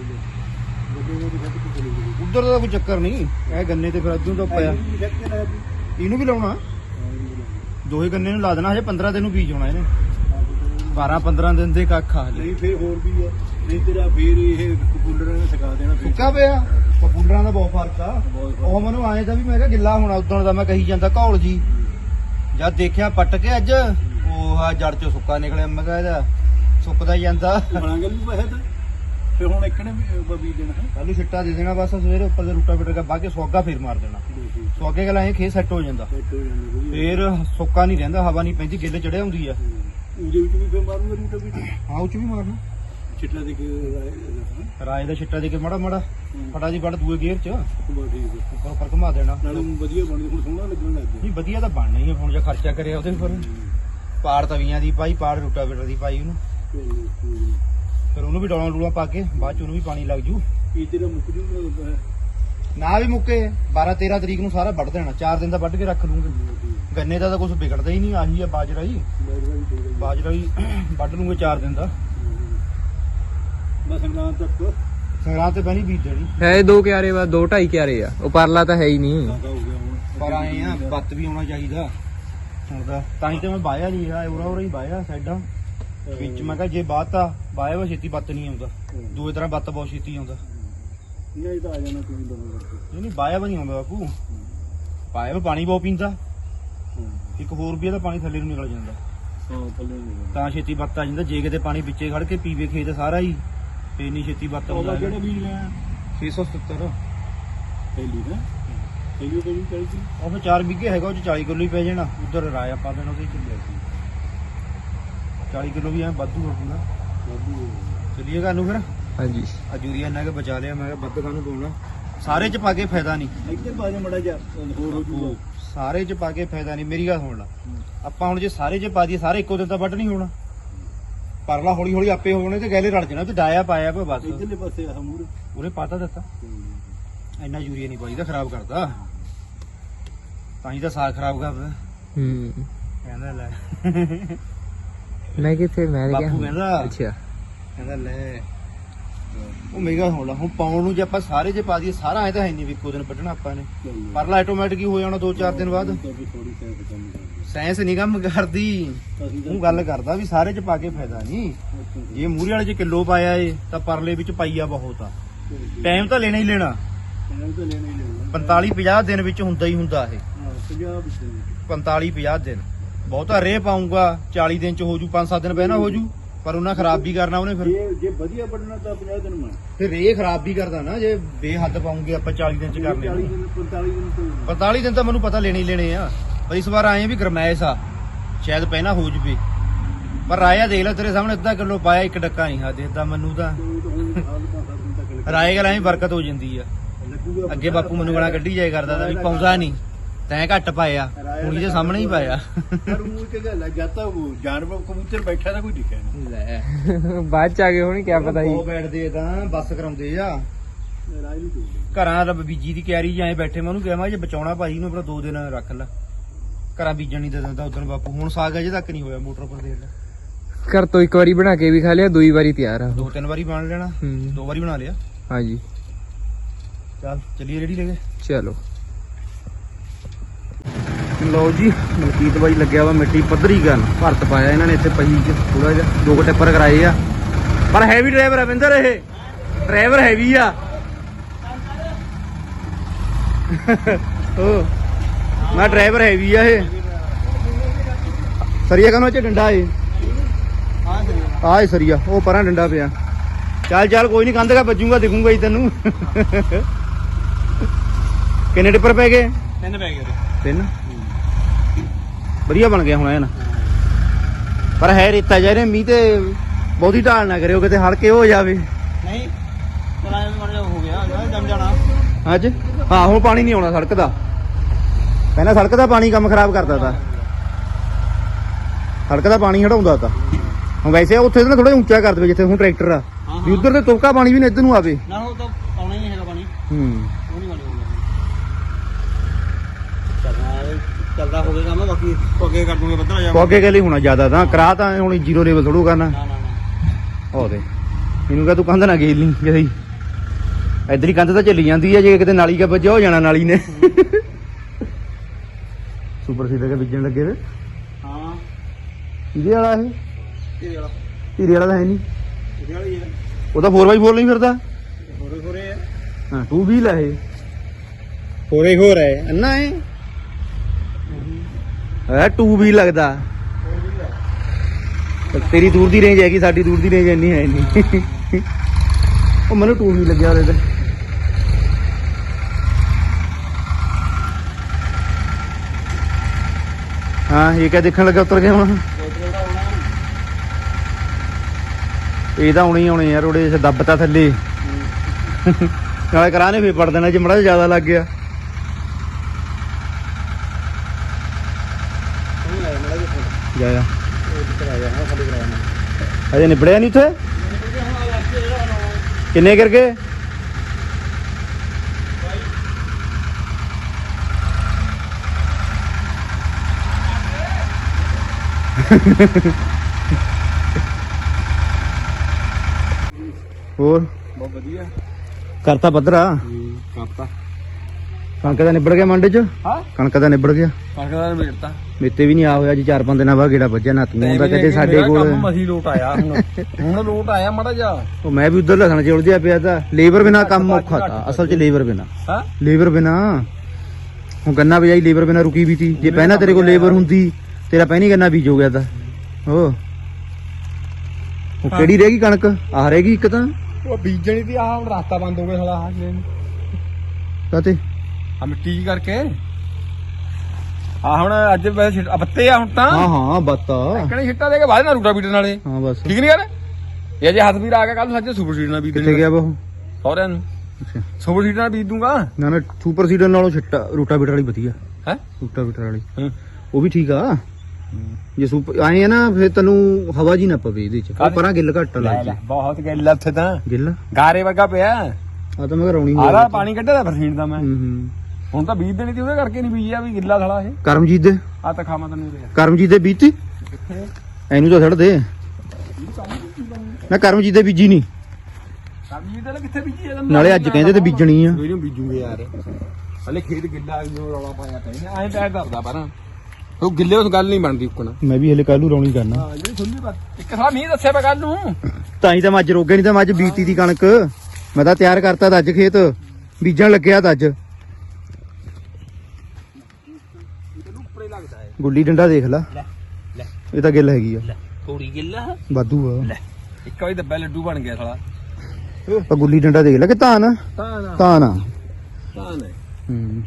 [SPEAKER 1] ਉੱਧਰ ਦਾ ਕੋਈ ਚੱਕਰ ਨਹੀਂ, ਇਹ ਗੰਨੇ ਤੇ ਫਿਰ ਅੱਧੂ ਤੋਂ ਪਿਆ ਇਹਨੂੰ ਵੀ ਲਾਉਣਾ, ਦੋਹੇ ਗੰਨੇ ਨੂੰ ਲਾ ਦੇਣਾ। ਹਜੇ 15 ਦਿਨ ਨੂੰ ਬੀਜ ਹੋਣਾ ਇਹਨੇ, 12-15 ਦਿਨ ਦੇ ਕੱਖ ਆ ਹਜੇ।
[SPEAKER 3] ਨਹੀਂ ਫੇਰ ਹੋਰ ਵੀ ਹੈ ਨਹੀਂ ਤੇਰਾ ਫੇਰ ਇਹ ਕੂਲਰਾਂ ਨੇ ਸਿਖਾ ਦੇਣਾ ਫੇਰ।
[SPEAKER 1] ਸੁੱਕਾ ਪਿਆ ਪਪੂਲਰਾਂ ਦਾ ਬਹੁਤ ਫਰਕ ਆ। ਉਹ ਮੈਨੂੰ ਆਏ ਤਾਂ ਵੀ ਮੈਂ ਕਿਹਾ ਗਿੱਲਾ ਹੋਣਾ ਉਦੋਂ ਦਾ, ਮੈਂ ਕਹੀ ਜਾਂਦਾ ਘੌਲ ਜੀ। ਜਦ ਦੇਖਿਆ ਪੱਟ ਕੇ ਅੱਜ ਉਹ ਆ ਜੜ ਚੋਂ ਸੁੱਕਾ ਨਿਕਲਿਆ, ਮੈਂ ਕਿਹਾ ਇਹਦਾ ਸੁੱਕਦਾ ਹੀ ਜਾਂਦਾ।
[SPEAKER 3] ਬਣਾਂਗੇ ਵੀ ਪੈਸੇ ਤਾਂ ਫੇਰ ਹੁਣ ਇੱਕ ਨੇ ਵੀ ਬੀਜ ਦੇਣਾ ਹੈ
[SPEAKER 1] ਕੱਲੂ ਛਿੱਟਾ ਦੇ ਦੇਣਾ ਬਸ ਸਵੇਰੇ ਉੱਪਰ ਦੇ ਰੂਟਾ ਬਿਟਰ ਕੇ ਬਾਅਦ ਕੇ ਸੁਆਗਾ ਫੇਰ ਮਾਰ ਦੇਣਾ। ਸੁਆਗੇ ਗਲਾ ਇਹ ਖੇਤ ਸੈੱਟ ਹੋ ਜਾਂਦਾ, ਫੇਰ ਸੁੱਕਾ ਨਹੀਂ ਰਹਿੰਦਾ, ਹਵਾ ਨਹੀਂ ਪੈਂਦੀ, ਗਿੱਲ ਚੜਿਆ ਹੁੰਦੀ ਆ।
[SPEAKER 3] ਉਹਦੇ ਵਿੱਚ ਵੀ ਫੇਰ ਮਾਰੂਗਾ ਰੂਟਾ ਵੀ
[SPEAKER 1] ਹਾਂ ਉਹ ਚ ਵੀ ਮਾਰਨਾ,
[SPEAKER 3] ਛਿੱਟਾ ਦੇ ਕੇ
[SPEAKER 1] ਰਾਏ ਦਾ ਛਿੱਟਾ ਦੇ ਕੇ ਮਾੜਾ ਮਾੜਾ ਫਟਾ ਦੀ ਵੱਢ ਦੂਏ ਗੇਅਰ ਚ
[SPEAKER 3] ਬਹੁਤ ਠੀਕ ਹੈ
[SPEAKER 1] ਉੱਪਰ ਉੱਪਰ ਘੁਮਾ ਦੇਣਾ।
[SPEAKER 3] ਨਾਲੇ ਵਧੀਆ ਬਣਦੀ ਹੁਣ ਸੋਹਣਾ ਲੱਗਣ ਲੱਗ ਗਿਆ
[SPEAKER 1] ਨਹੀਂ ਵਧੀਆ ਤਾਂ ਬਣਨਾ ਹੀ ਆ, ਹੁਣ ਜੇ ਖਰਚਾ ਕਰਿਆ ਉਹਦੇ ਉੱਪਰ। ਪਾੜ ਤਵੀਆਂ ਦੀ ਪਾਈ, ਪਾੜ ਰੂਟਾ ਬਿਟਰ ਦੀ ਪਾਈ ਉਹਨੂੰ, ਫਿਰ ਉਹਨੂੰ ਵੀ ਡੋਲਾਂ ਡੂਲਾਂ ਪਾ ਕੇ ਬਾਅਦ ਚ ਉਹਨੂੰ ਵੀ ਪਾਣੀ ਲੱਗ ਜੂ।
[SPEAKER 3] ਇਹ ਤੇਰਾ ਮੁੱਕ ਜੂਗਾ
[SPEAKER 1] ਨਾ ਵੀ ਮੁੱਕੇ 12-13 ਤਰੀਕ ਨੂੰ ਸਾਰਾ ਵੱਢ ਦੇਣਾ, 4 ਦਿਨ ਦਾ ਵੱਢ ਕੇ ਰੱਖ ਲੂੰਗੇ। ਗੰਨੇ ਦਾ ਤਾਂ ਕੁਝ ਵਿਗੜਦਾ ਹੀ ਨਹੀਂ, ਆਹੀ ਆ ਬਾਜਰਾ ਹੀ, ਬਾਜਰਾ ਹੀ ਵੱਢ ਲੂੰਗੇ 4 ਦਿਨ ਦਾ।
[SPEAKER 3] ਬਸ ਸੰਗਰਾਂਦ ਤੱਕ
[SPEAKER 1] ਸੰਗਰਾਂਦ ਤੇ ਬਣੀ ਬੀਜ ਦੇਣੀ।
[SPEAKER 4] ਹੈ 2 ਕਿਆਰੇ ਵਾ 2-2.5 ਕਿਆਰੇ ਆ, ਉਹ ਪਰਲਾ ਤਾਂ ਹੈ ਹੀ ਨਹੀਂ।
[SPEAKER 3] ਜ਼ਿਆਦਾ ਹੋ ਗਿਆ ਹੁਣ
[SPEAKER 1] ਪਰ ਆਏ ਆ ਬੱਤ ਵੀ ਆਉਣਾ ਚਾਹੀਦਾ ਹੁਣ ਦਾ, ਤਾਂ ਹੀ ਤੇ ਮੈਂ ਬਾਇਆ ਨਹੀਂ ਆ, ਉਰਾ ਹੀ ਬਾਇਆ ਸਾਈਡਾਂ ਵਿੱਚ। ਮੈਂ ਕਿਹਾ ਜੇ ਬਾਤਾ ਬਾਇਆ ਵਾ ਛੇਤੀ ਬੱਤ ਨਹੀਂ ਆਉਂਦਾ, ਦੂਏ ਤਰ੍ਹਾਂ ਬੱਤ ਬਹੁਤ ਛੇਤੀ ਆਉਂਦਾ।
[SPEAKER 3] ਨਹੀਂ ਤਾਂ ਆ ਜਾਣਾ ਤੁਸੀਂ ਦੋਨੋਂ ਕਰਕੇ
[SPEAKER 1] ਨਹੀਂ ਬਾਇਆ ਵੀ ਨਹੀਂ ਆਉਂਦਾ ਬਾਪੂ, ਬਾਇਆ ਵਾ ਪਾਣੀ ਬਹੁਤ ਪੀਂਦਾ। ਇੱਕ ਹੋਰ ਵੀ ਇਹਦਾ ਪਾਣੀ ਥੱਲੇ ਨੂੰ ਨਿਕਲ ਜਾਂਦਾ,
[SPEAKER 3] ਹਾਂ ਥੱਲੇ ਨਹੀਂ
[SPEAKER 1] ਤਾਂ ਛੇਤੀ ਬੱਤ ਆ ਜਾਂਦਾ। ਜੇ ਕਿਤੇ ਪਾਣੀ ਵਿੱਚੇ ਖੜ ਕੇ ਪੀਵੇ ਖੇਤ ਸਾਰਾ ਹੀ, ਤੇ ਇੰਨੀ ਛੇਤੀ ਬੱਤ ਆਉਂਦਾ।
[SPEAKER 3] ਕਿਹੜਾ ਬੀਜ ਲਿਆ
[SPEAKER 1] 677
[SPEAKER 3] ਥੈਲੀ ਦਾ ਥੈਲੀ ਕੋਈ ਚਾਹੀਦੀ
[SPEAKER 1] ਉਹ ਫਿਰ 4 ਵਿਗੇ ਹੈਗਾ, ਉਹ ਚ 40 ਕਿਲੋ ਹੀ ਪੈ ਜਾਣਾ। ਉਧਰ ਰਾਇਆ ਪਾ ਦੇਣਾ ਉਹਦੇ ਚ 40 ਕਿਲੋ ਵੀ ਐ ਵਾਧੂ ਹੋ ਪੂਰਾ।
[SPEAKER 3] ਵਾਧੂ
[SPEAKER 1] ਚਲੀਏਗਾ ਨੂੰ ਫਿਰ
[SPEAKER 4] ਹਾਂਜੀ
[SPEAKER 1] ਆ ਯੂਰੀਆ ਇਹਨਾਂ ਕੇ ਬਚਾ ਲਿਆ, ਮੈਂ ਕਿਹਾ ਵੱਧ ਕਾਹਨੂੰ ਪਾਉਣਾ, ਸਾਰੇ ਚ ਪਾ ਕੇ ਫਾਇਦਾ ਨਹੀਂ।
[SPEAKER 3] ਇੱਥੇ ਪਾ ਦੇ ਮੜਾ ਜਾ ਹੋਰ ਹੋ ਜੂਗਾ
[SPEAKER 1] ਸਾਰੇ ਚ ਪਾ ਕੇ ਫਾਇਦਾ ਨਹੀਂ। ਮੇਰੀ ਗੱਲ ਸੁਣ ਲਾ, ਆਪਾਂ ਹੁਣ ਜੇ ਸਾਰੇ ਚ ਪਾ ਦਈਏ ਸਾਰੇ ਇੱਕੋ ਦਿਨ ਤਾਂ ਵੱਢ ਨਹੀਂ ਹੋਣਾ, ਪਰਲਾ ਹੌਲੀ ਹੌਲੀ ਆਪੇ ਹੋਣੇ ਤੇ ਗੈਲੇ ਰਲ ਜਾਣਾ। ਤੇ ਡਾਇਆ ਪਾਇਆ ਪਿਆ ਬਸ,
[SPEAKER 3] ਇੱਧਰਲੇ ਪਾਸੇ ਆ ਮੂਰੇ
[SPEAKER 1] ਉਹਨੇ ਪਾਤਾ ਦਿੱਤਾ। ਇੰਨਾ ਯੂਰੀਆ ਨਹੀਂ ਪਾਈਦਾ, ਖਰਾਬ ਕਰਦਾ, ਤਾਂ ਹੀ ਤਾਂ ਸਾਗ ਖਰਾਬ ਕਰਦਾ।
[SPEAKER 4] ਹੂੰ
[SPEAKER 1] ਕਹਿੰਦਾ ਲੈ
[SPEAKER 4] ਮੈਂ ਕਿੱਥੇ ਮੈਂ
[SPEAKER 1] ਬਾਪੂ
[SPEAKER 4] ਕਿਹਾ
[SPEAKER 1] ਕਹਿੰਦਾ
[SPEAKER 4] ਅੱਛਾ
[SPEAKER 1] ਕਹਿੰਦਾ ਲੈ ਉਹ ਮੇਗਾ ਹੁਣ ਲਾ, ਹੁਣ ਪਾਉਣ ਨੂੰ ਜੇ ਆਪਾਂ ਸਾਰੇ ਜੇ ਪਾ ਦਈਏ ਸਾਰਾ ਐ ਤਾਂ ਹੈ ਨਹੀਂ ਵੀ ਇੱਕੋ ਦਿਨ ਵੱਢਣਾ ਆਪਾਂ ਨੇ। ਪਰਲਾ ਆਟੋਮੈਟਿਕ ਹੀ ਹੋ ਜਾਣਾ 2-4 ਦਿਨ ਬਾਅਦ।
[SPEAKER 3] ਥੋੜੀ ਸੈਂਸ ਕੰਮ ਕਰਦੀ
[SPEAKER 1] ਸਾਇੰਸ ਨਹੀਂ ਕੰਮ ਕਰਦੀ, ਉਹ ਗੱਲ ਕਰਦਾ ਵੀ ਸਾਰੇ ਚ ਪਾ ਕੇ ਫਾਇਦਾ ਨਹੀਂ। ਜੇ ਮੂਹਰੇ ਵਾਲੇ ਚ ਕਿਲੋ ਪਾਇਆ ਏ ਤਾਂ ਪਰਲੇ ਵਿੱਚ ਪਾਈਆ ਬਹੁਤ ਆ। ਟਾਈਮ ਤਾਂ ਲੈਣਾ ਹੀ ਲੈਣਾ,
[SPEAKER 3] ਟਾਈਮ ਤਾਂ ਲੈਣਾ ਹੀ ਲੈਣਾ
[SPEAKER 1] 45-50 ਦਿਨ ਵਿੱਚ ਹੁੰਦਾ ਹੀ ਹੁੰਦਾ ਇਹ।
[SPEAKER 3] ਹਾਂ 50 ਵਿੱਚ
[SPEAKER 1] 45-50 ਦਿਨ ਬਹੁਤਾ ਰੇ ਪਾਉਂਗਾ 40 ਦਿਨ ਚ ਹੋ ਜੂ, 5-7 ਦਿਨ ਪਹਿਲਾਂ ਹੋ ਜੂ, ਪਰ ਉਹਨਾਂ ਖਰਾਬ ਵੀ ਕਰਨਾ ਉਹਨੇ। ਫਿਰ
[SPEAKER 3] ਜੇ ਵਧੀਆ ਵੱਢਣਾ ਤਾਂ 50 ਦਿਨ ਮੈਂ
[SPEAKER 1] ਫਿਰ ਰੇ ਖਰਾਬ ਵੀ ਕਰਦਾ ਨਾ, ਜੇ ਬੇਹੱਦ ਪਾਉਂਗੇ ਆਪਾਂ 40 ਦਿਨ ਚ ਕਰਨੇ
[SPEAKER 3] 40 ਦਿਨ 45 ਦਿਨ ਤੋਂ
[SPEAKER 1] 45 ਦਿਨ ਤਾਂ ਮੈਨੂੰ ਪਤਾ ਲੈਣੇ ਹੀ ਲੈਣੇ ਆ। ਪਰ ਇਸ ਵਾਰ ਆਏ ਆ ਵੀ ਗਰਮੈਸ਼ ਆ, ਸ਼ਾਇਦ ਪਹਿਲਾਂ ਹੋ ਜਵੇ। ਪਰ ਰਾਇਆ ਦੇਖ ਲੈ ਤੇਰੇ ਸਾਹਮਣੇ ਅੱਧਾ ਕਿਲੋ ਪਾਇਆ, 1 ਡੱਕਾ ਨਹੀਂ ਹਾਂ ਦੇਦਾ ਮੈਨੂੰ ਤਾਂ। ਰਾਏ ਗੱਲ ਐਂ ਬਰਕਤ ਹੋ ਜਾਂਦੀ ਆ।
[SPEAKER 3] ਲੱਗੂਗਾ
[SPEAKER 1] ਅੱਗੇ ਬਾਪੂ ਮੈਨੂੰ ਗਾਲਾਂ ਕੱਢੀ ਜਾਏ ਕਰਦਾ ਤਾਂ ਵੀ ਪਾਉਂਦਾ ਨਹੀਂ, ਤੈਂ ਘੱਟ ਪਾਇਆ, ਹੁਣ ਇਹਦੇ ਸਾਹਮਣੇ ਹੀ ਪਾਇਆ।
[SPEAKER 3] ਪਰ ਉਹ ਇੱਕ ਗੱਲ ਹੈ, ਜਦ ਤੱਕ ਜਾਨਵਰ ਕਬੂਤਰ ਬੈਠਾ ਤਾਂ ਕੋਈ ਦਿਖਿਆ ਨਹੀਂ
[SPEAKER 1] ਲੈ
[SPEAKER 4] ਬਾਅਦ ਚ ਆ ਗਏ ਹੁਣ ਕੀ ਪਤਾ ਜੀ।
[SPEAKER 1] ਉਹ ਬੈਠਦੇ ਤਾਂ ਬੱਸ ਕਰਾਉਂਦੇ ਆ
[SPEAKER 3] ਰਾਜ ਨਹੀਂ ਕੋਈ
[SPEAKER 1] ਘਰਾਂ ਰੱਬ ਬੀਜੀ ਦੀ ਕਿਆਰੀ ਜਾਏ ਬੈਠੇ। ਮੈਂ ਉਹਨੂੰ ਕਿਹਾ ਮੈਂ ਜੇ ਬਚਾਉਣਾ ਭਾਈ ਨੂੰ ਆਪਣਾ 2 ਦਿਨ ਰੱਖ ਲੈ, ਘਰਾਂ ਬੀਜਣ ਨਹੀਂ ਦੇ ਦਿੰਦਾ ਉਦੋਂ ਬਾਪੂ। ਹੁਣ ਸਾਗ ਅਜੇ ਤੱਕ ਨਹੀਂ ਹੋਇਆ ਮੋਟਰ ਪਰ, ਦੇਖ ਲੈ
[SPEAKER 4] ਘਰ ਤੋਂ ਇੱਕ ਵਾਰੀ ਬਣਾ ਕੇ ਵੀ ਖਾ ਲਿਆ, ਦੂਈ ਵਾਰੀ ਤਿਆਰ ਆ ਉਹ।
[SPEAKER 1] 2-3 ਵਾਰੀ ਬਣਾ ਲੈਣਾ,
[SPEAKER 4] ਹੂੰ
[SPEAKER 1] 2 ਵਾਰੀ ਬਣਾ ਲਿਆ।
[SPEAKER 4] ਹਾਂਜੀ
[SPEAKER 1] ਚੱਲ ਚੱਲੀਏ ਰੇੜੀ ਲੈ ਕੇ।
[SPEAKER 4] ਚਲੋ
[SPEAKER 1] ਲਓ ਜੀ ਮਲਕੀਤ ਬਾਈ ਲੱਗਿਆ ਵਾ ਮਿੱਟੀ ਪੱਧਰੀ ਕਰਨ, ਭਰਤ ਪਾਇਆ ਇਹਨਾਂ ਨੇ ਇੱਥੇ ਪਹੀ ਚ ਥੋੜਾ ਜਿਹਾ, 2 ਟਿੱਪਰ ਕਰਾਏ ਆ। ਪਰ ਹੈਵੀ ਡਰਾਈਵਰ ਆ ਬਿੰਦਰ, ਇਹ ਡਰਾਈਵਰ ਹੈਵੀ ਆ। ਉਹ ਮੈਂ ਡਰਾਈਵਰ ਹੈਵੀ ਆ ਇਹ। ਸਰੀਆ ਕਾਹਨੂੰ ਚ ਡੰਡਾ ਏ, ਆਹ ਸਰੀਆ ਉਹ ਪਰਾਂ ਡੰਡਾ ਪਿਆ। ਚੱਲ ਚੱਲ ਕੋਈ ਨਹੀਂ, ਕੰਧ ਕਾ ਵੱਜੂਗਾ ਦਿਖੂਗਾ ਹੀ ਤੈਨੂੰ। ਕਿੰਨੇ ਟਿੱਪਰ ਪੈ ਗਏ?
[SPEAKER 3] 3 ਪੈ ਗਏ
[SPEAKER 1] 3 ਵਧੀਆ ਬਣ ਗਿਆ ਹੁਣ ਐਨ। ਪਰ ਹੈ ਰੇਤਾ ਜਾ ਰਿਹਾ, ਮੀਂਹ ਤੇ ਬਹੁਤੀ ਢਾਲ ਨਾ ਕਰਿਓ, ਕਿਤੇ ਹਲਕੇ ਹੋ ਜਾਵੇ।
[SPEAKER 3] ਨਹੀਂ ਚਲਾਇਆ ਵੀ ਮੜ ਹੋ ਗਿਆ ਜੰਮ ਜਾਣਾ
[SPEAKER 1] ਅੱਜ ਹਾਂ ਹੁਣ ਪਾਣੀ ਨਹੀਂ ਆਉਣਾ ਸੜਕ ਦਾ। ਪਹਿਲਾਂ ਸੜਕ ਦਾ ਪਾਣੀ ਕੰਮ ਖਰਾਬ ਕਰਦਾ ਤਾ, ਸੜਕ ਦਾ ਪਾਣੀ ਹਟਾਉਂਦਾ ਤਾ। ਹੁਣ ਵੈਸੇ ਉੱਥੇ ਨਾ ਥੋੜਾ ਉੱਚਾ ਕਰ ਦੇਵੇ ਜਿੱਥੇ ਹੁਣ ਟਰੈਕਟਰ ਆ, ਵੀ ਉਧਰ ਤੇ ਤੁਪਕਾ ਪਾਣੀ ਵੀ ਨਾ ਇੱਧਰ ਨੂੰ ਆਵੇ।
[SPEAKER 3] ਨਾ ਉਹ ਤਾਂ ਆਉਣਾ ਹੀ ਨਹੀਂ ਹੈਗਾ ਪਾਣੀ,
[SPEAKER 1] ਹੂੰ
[SPEAKER 3] ਉਹ ਨਹੀਂ ਵਾਲੇ ਹੋ ਗਿਆ ਚੱਲਦਾ ਹੋ ਗਿਆ ਕੰਮ। ਬਾਕੀ ਅੱਗੇ ਕਰ ਦੂੰਗੇ ਬੱਦਲ ਜਾ
[SPEAKER 1] ਪੌਗੇ ਕੇ ਲਈ ਹੋਣਾ ਜ਼ਿਆਦਾ ਤਾਂ ਕਰਾ ਤਾਂ ਹੁਣ ਜ਼ੀਰੋ ਲੈਵਲ ਥੋੜੂ ਕਰਨਾ।
[SPEAKER 3] ਨਾ ਨਾ
[SPEAKER 1] ਉਹ ਦੇ ਇਹਨੂੰ ਕਹ ਤੂੰ ਕੰਧ ਨਾ ਗੇਲ ਨਹੀਂ ਕਿਤੇ ਇੱਧਰ ਹੀ ਕੰਧ ਤਾਂ ਚੱਲੀ ਜਾਂਦੀ ਹੈ, ਜੇ ਕਿਤੇ ਨਾਲੀ ਕਾ ਵੱਜਿਆ ਹੋ ਜਾਣਾ ਨਾਲੀ ਨੇ। ਸੁਪਰ ਸੀਡਰ ਕੇ ਵਿਜਣ ਲੱਗੇ ਵੇ।
[SPEAKER 3] ਹਾਂ
[SPEAKER 1] ਇਹਦੇ ਵਾਲਾ ਇਹ
[SPEAKER 3] ਇਹ ਵਾਲਾ
[SPEAKER 1] ਧੀਰੇ ਵਾਲਾ ਤਾਂ ਹੈ ਨਹੀਂ,
[SPEAKER 3] ਇਹਦੇ ਵਾਲੀ ਹੈ
[SPEAKER 1] ਉਹ ਤਾਂ 4x4 ਨਹੀਂ ਫਿਰਦਾ।
[SPEAKER 3] ਹੋਰੇ ਹੋਰੇ ਹੈ
[SPEAKER 1] ਹਾਂ 2 ਵੀਲ ਹੈ ਇਹ, ਹੋਰੇ ਹੋ ਰਿਹਾ ਅੰਨਾ ਇਹ ਹੈ 2 ਵੀਲ ਲੱਗਦਾ। ਤੇਰੀ ਦੂਰ ਦੀ ਰੇਂਜ ਹੈਗੀ, ਸਾਡੀ ਦੂਰ ਦੀ ਰੇਂਜ ਇੰਨੀ ਹੈ ਨਹੀਂ। ਉਹ ਮੈਨੂੰ 2 ਵੀਲ ਲੱਗਿਆ ਉਹਦੇ ਤੇ। ਹਾਂ ਇਹ ਕਿਆ ਦੇਖਣ ਲੱਗਾ ਉਤਰ ਗਿਆ ਹੁਣ? ਇਹ ਤਾਂ ਆਉਣੀ ਆਉਣੀ ਯਾਰ, ਉਹਦੇ ਦੱਬਤਾ ਥੱਲੇ। ਨਾਲੇ ਕਰਾਣੇ ਫੇਰ ਪੜ ਦੇਣਾ ਜੇ ਮੜਾ ਜ਼ਿਆਦਾ ਲੱਗ ਗਿਆ। ਜਾਇਆ ਅਜੇ ਨਿਬੜਿਆ ਨਹੀਂ ਉੱਥੇ? ਕਿੰਨੇ ਕਰਕੇ? ਹੋਰ
[SPEAKER 3] ਬਹੁਤ ਵਧੀਆ
[SPEAKER 1] ਕਰਤਾ ਪੱਧਰਾ?
[SPEAKER 3] ਕਰਤਾ
[SPEAKER 1] ਕਣਕ ਦਾ ਨਿਬੜ ਗਿਆ ਮੰਡ ਚ?
[SPEAKER 3] ਹਾਂ
[SPEAKER 1] ਕਣਕ ਦਾ ਨਿਬੜ ਗਿਆ।
[SPEAKER 3] ਕਣਕ ਦਾ ਮਿਲਤਾ
[SPEAKER 1] ਮੇਤੇ ਵੀ ਨਹੀਂ ਆ ਹੋਇਆ ਜੀ, 4-5 ਦਿਨਾਂ ਬਾਅਦ ਗੇੜਾ ਵੱਜਿਆ ਨਾ ਤੂੰ ਆਉਂਦਾ ਕਦੇ ਸਾਡੇ ਕੋਲ।
[SPEAKER 3] ਮਸੀ ਲੋਟ ਆਇਆ ਹੁਣ ਲੋਟ ਆਇਆ ਮੜਾ ਜਾ।
[SPEAKER 1] ਉਹ ਮੈਂ ਵੀ ਉਧਰ ਲਸਣ ਚ ਉਲਝਿਆ ਪਿਆ ਤਾਂ। ਲੇਬਰ ਬਿਨਾ ਕੰਮ ਔਖਾ ਤਾ ਅਸਲ ਚ, ਲੇਬਰ ਬਿਨਾ।
[SPEAKER 3] ਹਾਂ
[SPEAKER 1] ਲੇਬਰ ਬਿਨਾ ਹੁਣ ਗੰਨਾ ਬਿਜਾਈ ਲੇਬਰ ਬਿਨਾ ਰੁਕੀ ਵੀ ਤੀ। ਜੇ ਪਹਿਲਾਂ ਤੇਰੇ ਕੋਲ ਲੇਬਰ ਹੁੰਦੀ ਤੇਰਾ ਪਹਿਨੀ ਗੰਨਾ ਬੀਜ ਹੋ ਗਿਆ ਤਾਂ। ਉਹ ਕਿਹੜੀ ਰਹਿ ਗਈ ਕਣਕ? ਆਹ ਰਹਿ ਗਈ ਇੱਕ ਤਾਂ।
[SPEAKER 3] ਉਹ ਬੀਜਣੀ ਦੀ ਆਹ ਹੁਣ ਰਸਤਾ ਬੰਦ ਹੋ ਗਿਆ ਸਾਲਾ ਆਹ
[SPEAKER 1] ਕਾਤੇ?
[SPEAKER 3] ਆ ਮਿੱਟੀ ਜੀ ਕਰਕੇ ਆ ਹੁਣ ਅੱਜ ਵੈਸੇ ਬੱਤੇ ਆ ਹੁਣ ਤਾਂ।
[SPEAKER 1] ਹਾਂ ਹਾਂ ਬਾਤਾ
[SPEAKER 3] ਕਿਹੜੇ ਛਿੱਟਾ ਦੇ ਕੇ ਬਾਅਦ ਨਾਲ ਰੂਟਾ ਬੀਟਣ ਵਾਲੇ।
[SPEAKER 1] ਹਾਂ ਬਸ
[SPEAKER 3] ਠੀਕ ਨਹੀਂ ਯਾਰ? ਇਹ ਅਜੇ ਹੱਥ ਵੀਰ ਆ ਗਿਆ, ਕੱਲ ਸੱਜੇ ਸੁਪਰ ਸੀਡਰ ਨਾਲ ਬੀਜ
[SPEAKER 1] ਕਿੱਥੇ ਗਿਆ ਬਹੁ?
[SPEAKER 3] ਸਹੁਰਿਆਂ ਨੂੰ
[SPEAKER 1] ਅੱਛਾ
[SPEAKER 3] ਸੁਪਰ ਸੀਡਰ ਨਾਲ ਬੀਜ ਦੂੰਗਾ।
[SPEAKER 1] ਨਾ ਨਾ ਸੁਪਰ ਸੀਡਰ ਨਾਲੋਂ ਛਿੱਟਾ ਰੂਟਾ ਬੀਟਰ ਵਾਲੀ ਵਧੀਆ।
[SPEAKER 3] ਹੈ
[SPEAKER 1] ਰੂਟਾ ਬੀਟਰ ਵਾਲੀ
[SPEAKER 3] ਹਾਂ
[SPEAKER 1] ਉਹ ਵੀ ਠੀਕ ਆ। ਜੇ ਸੁਪਰ ਆਏ ਆ ਨਾ ਫਿਰ ਤੈਨੂੰ ਹਵਾ ਜੀ ਨਾ ਪਵੇ ਇਹਦੇ ਚ। ਉਹ ਪਰਾਂ ਗਿੱਲ ਘੱਟ ਲੱਗ ਜੀ।
[SPEAKER 3] ਬਹੁਤ ਗੱਲ ਆ ਉੱਥੇ ਤਾਂ,
[SPEAKER 1] ਗਿੱਲ
[SPEAKER 3] ਗਾਰੇ ਵਰਗਾ ਪਿਆ।
[SPEAKER 1] ਆ ਤਾਂ ਮੈਂ ਕਰਾਉਣੀ
[SPEAKER 3] ਆਲਾ ਪਾਣੀ ਕੱਢਿਆ ਤਾਂ ਫਰਸੀਨ ਦਾ ਮੈਂ।
[SPEAKER 1] ਹੂੰ
[SPEAKER 3] ਹੁਣ ਤਾਂ ਬੀਜ ਦੇਣੀ ਤੀ, ਉਹਦੇ ਕਰਕੇ ਨਹੀਂ ਬੀਜਿਆ ਵੀ ਗਿੱਲਾ ਥਲਾ ਇਹ।
[SPEAKER 1] ਕਰਮਜੀਤ ਦੇ
[SPEAKER 3] ਆ ਤਾਂ ਖਾਵਾਂ ਤੈਨੂੰ ਦੇ
[SPEAKER 1] ਕਰਮਜੀਤ ਦੇ ਬੀਜਤੀ ਇਹਨੂੰ ਤਾਂ ਛੱਡ ਦੇ ਨਾ। ਕਰਮਜੀਤ ਦੇ ਬੀਜੀ ਨਹੀਂ
[SPEAKER 3] ਸਬਜ਼ੀ ਤੇ ਕਿੱਥੇ ਬੀਜੀ ਆ?
[SPEAKER 1] ਨਾਲੇ ਅੱਜ ਕਹਿੰਦੇ ਤੇ ਬੀਜਣੀ ਆ।
[SPEAKER 3] ਇਹਨੂੰ ਬੀਜੂਗੇ ਯਾਰ, ਹਲੇ ਖੇਤ ਗਿੱਲਾ ਇਹਨੂੰ ਰੌਲਾ ਪਾਇਆ ਕਹਿੰਦੇ ਐਂ ਪੈਰ ਧਰਦਾ ਪਰ ਉਹ ਗਿੱਲੇ ਉਸ ਗੱਲ ਨਹੀਂ ਬਣਦੀ ਉੱਕਣਾ।
[SPEAKER 1] ਮੈਂ ਵੀ ਹਲੇ ਕੱਲ ਨੂੰ ਰੌਣੀ ਕਰਨਾ।
[SPEAKER 3] ਹਾਂ ਜਿਹੜੀ ਖੁੱਲੀ ਬਾਤ ਇੱਕ ਸਾਲਾ ਮੀਂਹ ਦੱਸਿਆ ਪਿਆ ਕੱਲ ਨੂੰ।
[SPEAKER 1] ਤਾਂ ਹੀ ਤਾਂ ਮੈਂ ਅੱਜ ਰੋਗੇ, ਨਹੀਂ ਤਾਂ ਮੈਂ ਅੱਜ ਬੀਜਤੀ ਦੀ ਕਣਕ। ਮੈਂ ਤਾਂ ਤਿਆਰ ਕਰਤਾ ਤਾਂ ਅੱਜ ਖੇਤ ਬੀਜਣ ਲੱਗਿਆ ਤਾਂ ਅੱਜ।
[SPEAKER 3] ਉੱਪਰੇ ਲੱਗਦਾ ਹੈ
[SPEAKER 1] ਗੁੱਲੀ ਡੰਡਾ ਦੇਖ ਲਾ,
[SPEAKER 3] ਲੈ ਲੈ
[SPEAKER 1] ਇਹ ਤਾਂ ਗਿੱਲ ਹੈਗੀ ਆ,
[SPEAKER 3] ਥੋੜੀ ਗਿੱਲਾ
[SPEAKER 1] ਵਾਧੂ ਆ।
[SPEAKER 3] ਲੈ ਇੱਕ ਵਾਰੀ ਦੱਬਾ ਲੱਡੂ ਬਣ ਗਿਆ ਸਾਲਾ।
[SPEAKER 1] ਆ ਗੁੱਲੀ ਡੰਡਾ ਦੇਖ ਲੈ ਕਿ ਧਾਨ ਆ?
[SPEAKER 3] ਤਾਂ ਨਾ
[SPEAKER 1] ਧਾਨ ਆ।
[SPEAKER 3] ਤਾਂ ਨਾ
[SPEAKER 1] ਹੂੰ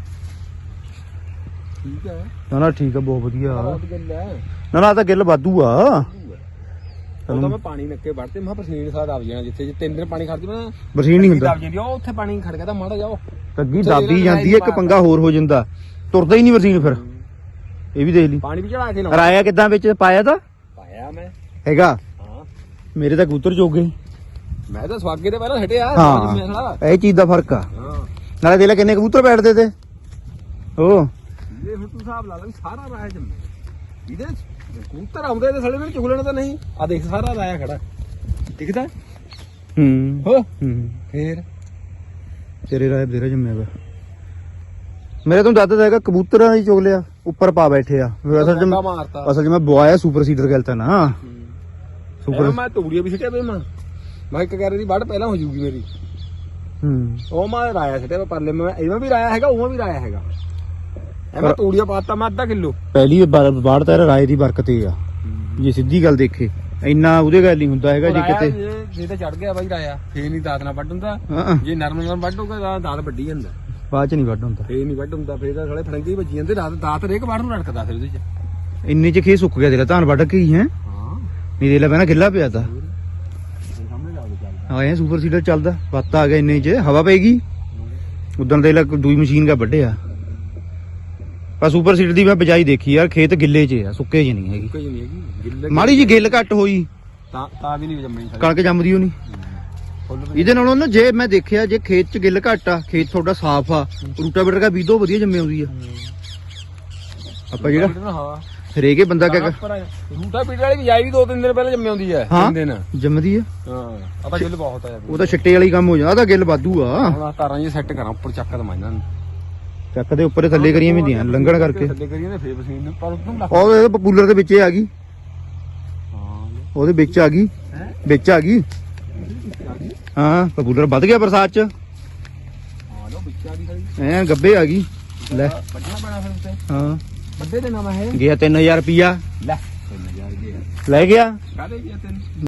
[SPEAKER 3] ਠੀਕ ਹੈ,
[SPEAKER 1] ਨਾ ਨਾ ਠੀਕ ਆ, ਬਹੁਤ ਵਧੀਆ।
[SPEAKER 3] ਬਹੁਤ ਗਿੱਲਾ
[SPEAKER 1] ਨਾ ਨਾ ਆਹ ਤਾਂ ਗਿੱਲ ਵਾਧੂ ਆ।
[SPEAKER 3] ਉਹ ਤਾਂ ਮੈਂ ਪਾਣੀ ਨੱਕੇ ਵੜਤੇ ਮੈਂ ਪਸੀਨੇ ਸਾਹ ਦਬ ਜਾਣਾ। ਜਿੱਥੇ ਜੇ 3 ਦਿਨ ਪਾਣੀ ਖੜਦੀ ਮੈਂ
[SPEAKER 1] ਬਰਸੀਨ ਨਹੀਂ ਹੁੰਦਾ।
[SPEAKER 3] ਦਬ ਜਾਂਦੀ ਉਹ ਉੱਥੇ ਪਾਣੀ ਖੜ ਗਿਆ ਤਾਂ ਮਾੜਾ ਜਾਓ
[SPEAKER 1] ਅੱਗੀ ਦਾਬੀ ਜਾਂਦੀ ਹੈ, ਇੱਕ ਪੰਗਾ ਹੋਰ ਹੋ ਜਾਂਦਾ, ਤੁਰਦਾ ਹੀ ਨਹੀਂ ਬਰਸੀਨ ਫਿਰ। ਇਹ ਵੀ ਦੇਖ ਲਈ।
[SPEAKER 3] ਪਾਣੀ ਵੀ ਚੜਾ ਕੇ ਲਾਉਣਾ
[SPEAKER 1] ਰਾਇਆ ਕਿੱਦਾਂ ਵਿੱਚ ਪਾਇਆ ਤਾਂ
[SPEAKER 3] ਪਾਇਆ ਮੈਂ।
[SPEAKER 1] ਹੈਗਾ?
[SPEAKER 3] ਹਾਂ
[SPEAKER 1] ਮੇਰੇ ਤਾਂ ਕਬੂਤਰ ਜੋਗੇ।
[SPEAKER 3] ਮੈਂ ਤਾਂ ਸਵਾਗੇ ਤੇ ਪਹਿਲਾਂ ਛੱਡਿਆ।
[SPEAKER 1] ਹਾਂ ਇਹ ਚੀਜ਼ ਦਾ ਫਰਕ ਆ।
[SPEAKER 3] ਹਾਂ
[SPEAKER 1] ਨਾਲੇ ਦੇਖ ਲੈ ਕਿੰਨੇ ਕਬੂਤਰ ਬੈਠਦੇ ਤੇ। ਉਹ
[SPEAKER 3] ਇਹ ਹੁਣ ਤੂੰ ਹਿਸਾਬ ਲਾ ਲੈ ਵੀ ਸਾਰਾ ਰਾਹ ਜੰਮੇ ਇਹਦੇ
[SPEAKER 5] ਕਬੂਤਰ ਆਉਂਦੇ ਤੇ ਸਾਲੇ ਮੈਨੂੰ ਚੁਗ ਲੈਣਾ ਤਾਂ ਨਹੀਂ ਆ ਦੇਖ ਸਾਰਾ ਲਾਇਆ ਖੜਾ ਦਿਖਦਾ
[SPEAKER 1] ਹੂੰ
[SPEAKER 5] ਹੋ
[SPEAKER 1] ਹੂੰ
[SPEAKER 5] ਫੇਰ
[SPEAKER 1] ਤੇਰੇ ਰਾਏ ਬਥੇਰਾ ਜੰਮਿਆ ਵਾ ਮੇਰੇ ਤੋਂ ਦੱਸਦਾ ਹੈਗਾ ਕਬੂਤਰਾਂ ਦੀ ਚੁਗ ਲਿਆ ਉੱਪਰ ਪਾ ਬੈਠੇ ਆ ਅਸਲ ਚ ਮੈਂ ਬੁਆਇਆ ਸੁਪਰ ਸੀਡਰ ਗਲਤਾ ਨਾ ਸੁਪਰ
[SPEAKER 5] ਮੈਂ ਤੂੜੀਆਂ ਵੀ ਸਿੱਟਿਆ ਬਈ ਮੈਂ ਇੱਕ ਕਹਿ ਦੀ ਵੱਢ ਪਹਿਲਾਂ ਹੋ ਜੂਗੀ ਮੇਰੀ
[SPEAKER 1] ਹੂੰ
[SPEAKER 5] ਉਹ ਮੈਂ ਰਾਇਆ ਸਿੱਟਿਆ ਪਰਲੇ ਮੈਂ ਇਹਵੇਂ ਵੀ ਰਾਇਆ ਹੈਗਾ ਉਵੇਂ ਵੀ ਰਾਇਆ ਹੈਗਾ ਮੈਂ ਤੂੜੀਆਂ ਪਾਤਾ ਮੈਂ ਅੱਧਾ ਕਿਲੋ
[SPEAKER 1] ਪਹਿਲੀ ਬਾੜ ਤਾਂ ਰਾਏ ਦੀ ਬਰਕਤ ਹੀ ਆ ਜੇ ਸਿੱਧੀ ਗੱਲ ਦੇਖੇ ਇੰਨਾ ਉਹਦੇ ਗੱਲ ਨਹੀਂ ਹੁੰਦਾ ਹੈਗਾ ਜੇ ਕਿਤੇ
[SPEAKER 5] ਜੇ ਤਾਂ ਚੜ ਗਿਆ ਬਾਈ ਰਾਇਆ ਫੇਰ ਨਹੀਂ ਦਾਤ ਨਾਲ ਵੱਢ ਹੁੰਦਾ
[SPEAKER 1] ਹਾਂ
[SPEAKER 5] ਜੇ ਨਰਮ ਨਾਲ ਵੱਢ ਹੋਊਗਾ ਤਾਂ ਦਾਤ ਵੱਢੀ ਜਾਂਦਾ
[SPEAKER 1] ਬਾਅਦ ਚ ਨਹੀਂ ਵੱਢ ਹੁੰਦਾ
[SPEAKER 5] ਫੇਰ ਨਹੀਂ ਵੱਢ ਹੁੰਦਾ ਫੇਰ ਤਾਂ ਸਾਲੇ ਫੜੰਗੇ ਵੱਜੀ ਜਾਂਦੇ ਦਾਤ ਰੇਕ ਵੱਢ ਨੂੰ ਰੜਕਦਾ ਫਿਰ ਉਹਦੇ ਚ
[SPEAKER 1] ਇੰਨੇ ਚ ਖੇ ਸੁੱਕ ਗਿਆ ਤੇਰਾ ਧਾਨ ਵੱਢ ਕੇ ਹੀ ਹੈ
[SPEAKER 5] ਹਾਂ
[SPEAKER 1] ਨਹੀਂ ਦੇ ਲੈ ਪਹਿਲਾਂ ਗਿੱਲਾ ਪਿਆ ਤਾ
[SPEAKER 5] ਸਾਹਮਣੇ ਲਾ ਚੱਲਦਾ
[SPEAKER 1] ਹਾਂ ਇਹ ਸੁਪਰ ਸੀਡਰ ਚੱਲਦਾ ਵੱਤ ਆ ਗਿਆ ਇੰਨੇ ਚ ਹਵਾ ਪੈਗੀ ਉਦੋਂ ਦੇ ਲੈ ਦੂਈ ਮਸ਼ੀਨ ਕਾ ਵੱਢਿਆ ਪਰ ਸੁਪਰ ਸੀਡਰ ਦੀ ਮੈਂ ਬਜਾਈ ਦੇਖੀ ਯਾਰ ਖੇਤ ਗਿੱਲੇ ਚ ਆ ਸੁੱਕੇ ਚ ਨਹੀਂ ਹੈਗੀ
[SPEAKER 5] ਕੋਈ ਨਹੀਂ ਹੈਗੀ ਗਿੱਲੇ
[SPEAKER 1] ਮਾੜੀ ਜੀ ਗਿੱਲ ਘੱਟ ਹੋਈ
[SPEAKER 5] ਤਾਂ ਵੀ ਨਹੀਂ ਜੰਮਣੀ
[SPEAKER 1] ਕਣਕ ਜੰਮਦੀ ਉਹ ਨਹੀਂ ਇਹਦੇ ਨਾਲੋਂ ਨਾ ਜੇ ਮੈਂ ਦੇਖਿਆ ਜੇ ਖੇਤ ਚ ਗਿੱਲ ਘੱਟ ਆ ਖੇਤ ਤੁਹਾਡਾ ਸਾਫ਼ ਆ ਰੂਟਾਵੇਟਰ ਦਾ ਬੀਜੋ ਵਧੀਆ ਜੰਮੇ ਆਉਂਦੀ ਆ ਆਪਾਂ ਜਿਹੜਾ
[SPEAKER 5] ਹਾਂ
[SPEAKER 1] ਹਰੇਕੇ ਬੰਦਾ ਕਿਆ
[SPEAKER 5] ਰੂਟਾ ਪੀਟਰ ਵਾਲੀ ਬਿਜਾਈ ਵੀ 2-3 ਦਿਨ ਪਹਿਲਾਂ ਜੰਮੇ ਆਉਂਦੀ ਹੈ
[SPEAKER 1] ਹਾਂ
[SPEAKER 5] 3 ਦਿਨ
[SPEAKER 1] ਜੰਮਦੀ ਆ
[SPEAKER 5] ਹਾਂ ਆ ਤਾਂ ਗਿੱਲ ਬਹੁਤ ਆ
[SPEAKER 1] ਉਹ ਤਾਂ ਛਿੱਟੇ ਵਾਲੀ ਕੰਮ ਹੋ ਜਾਂਦਾ ਤਾਂ ਗਿੱਲ ਵਾਧੂ ਆ
[SPEAKER 5] ਹੁਣ ਆਹ ਤਾਰਾਂ ਜੀ ਸੈੱਟ ਕਰਾਂ ਉੱਪਰ ਚੱਕ ਦਵਾਂ ਇਹਨਾਂ ਨੂੰ
[SPEAKER 1] ਚੱਕ ਦੇ ਉੱਪਰ ਥੱਲੇ ਕਰੀਆਂ ਵੀ ਦੀਆਂ ਲੰਘਣ ਕਰਕੇ
[SPEAKER 5] ਥੱਲੇ ਕਰੀਏ ਨੇ ਫੇਰ ਪਸੀਨ ਨੂੰ ਪਰ ਉਦੋਂ ਲੱਗ
[SPEAKER 1] ਉਹ ਪਪੂਲਰ ਦੇ ਵਿੱਚ ਆ ਗਈ
[SPEAKER 5] ਹਾਂ
[SPEAKER 1] ਉਹਦੇ ਵਿੱਚ ਆ ਗਈ ਵਿੱਚ ਆ ਗਈ ਹਾਂ ਪਪੂਲਰ ਵੱਧ ਗਿਆ ਬਰਸਾਤ ਚ
[SPEAKER 5] ਹਾਂ ਲੋ ਵਿੱਚ ਆ ਗਈ ਸਾਡੀ
[SPEAKER 1] ਐ ਗੱਬੇ ਆ ਗਈ ਲੈ
[SPEAKER 5] ਵੱਡਣਾ ਪੈਣਾ ਫਿਰ ਉੱਤੇ
[SPEAKER 1] ਹਾਂ
[SPEAKER 5] ਵੱਡੇ ਦੇ ਨਾਮ ਹੈ
[SPEAKER 1] ਗਿਆ 3000 ਰੁਪਿਆ
[SPEAKER 5] ਲੈ 3000 ਗਿਆ
[SPEAKER 1] ਲੈ ਗਿਆ
[SPEAKER 5] ਕਾਹਦੇ ਗਿਆ ਤੈਨੂੰ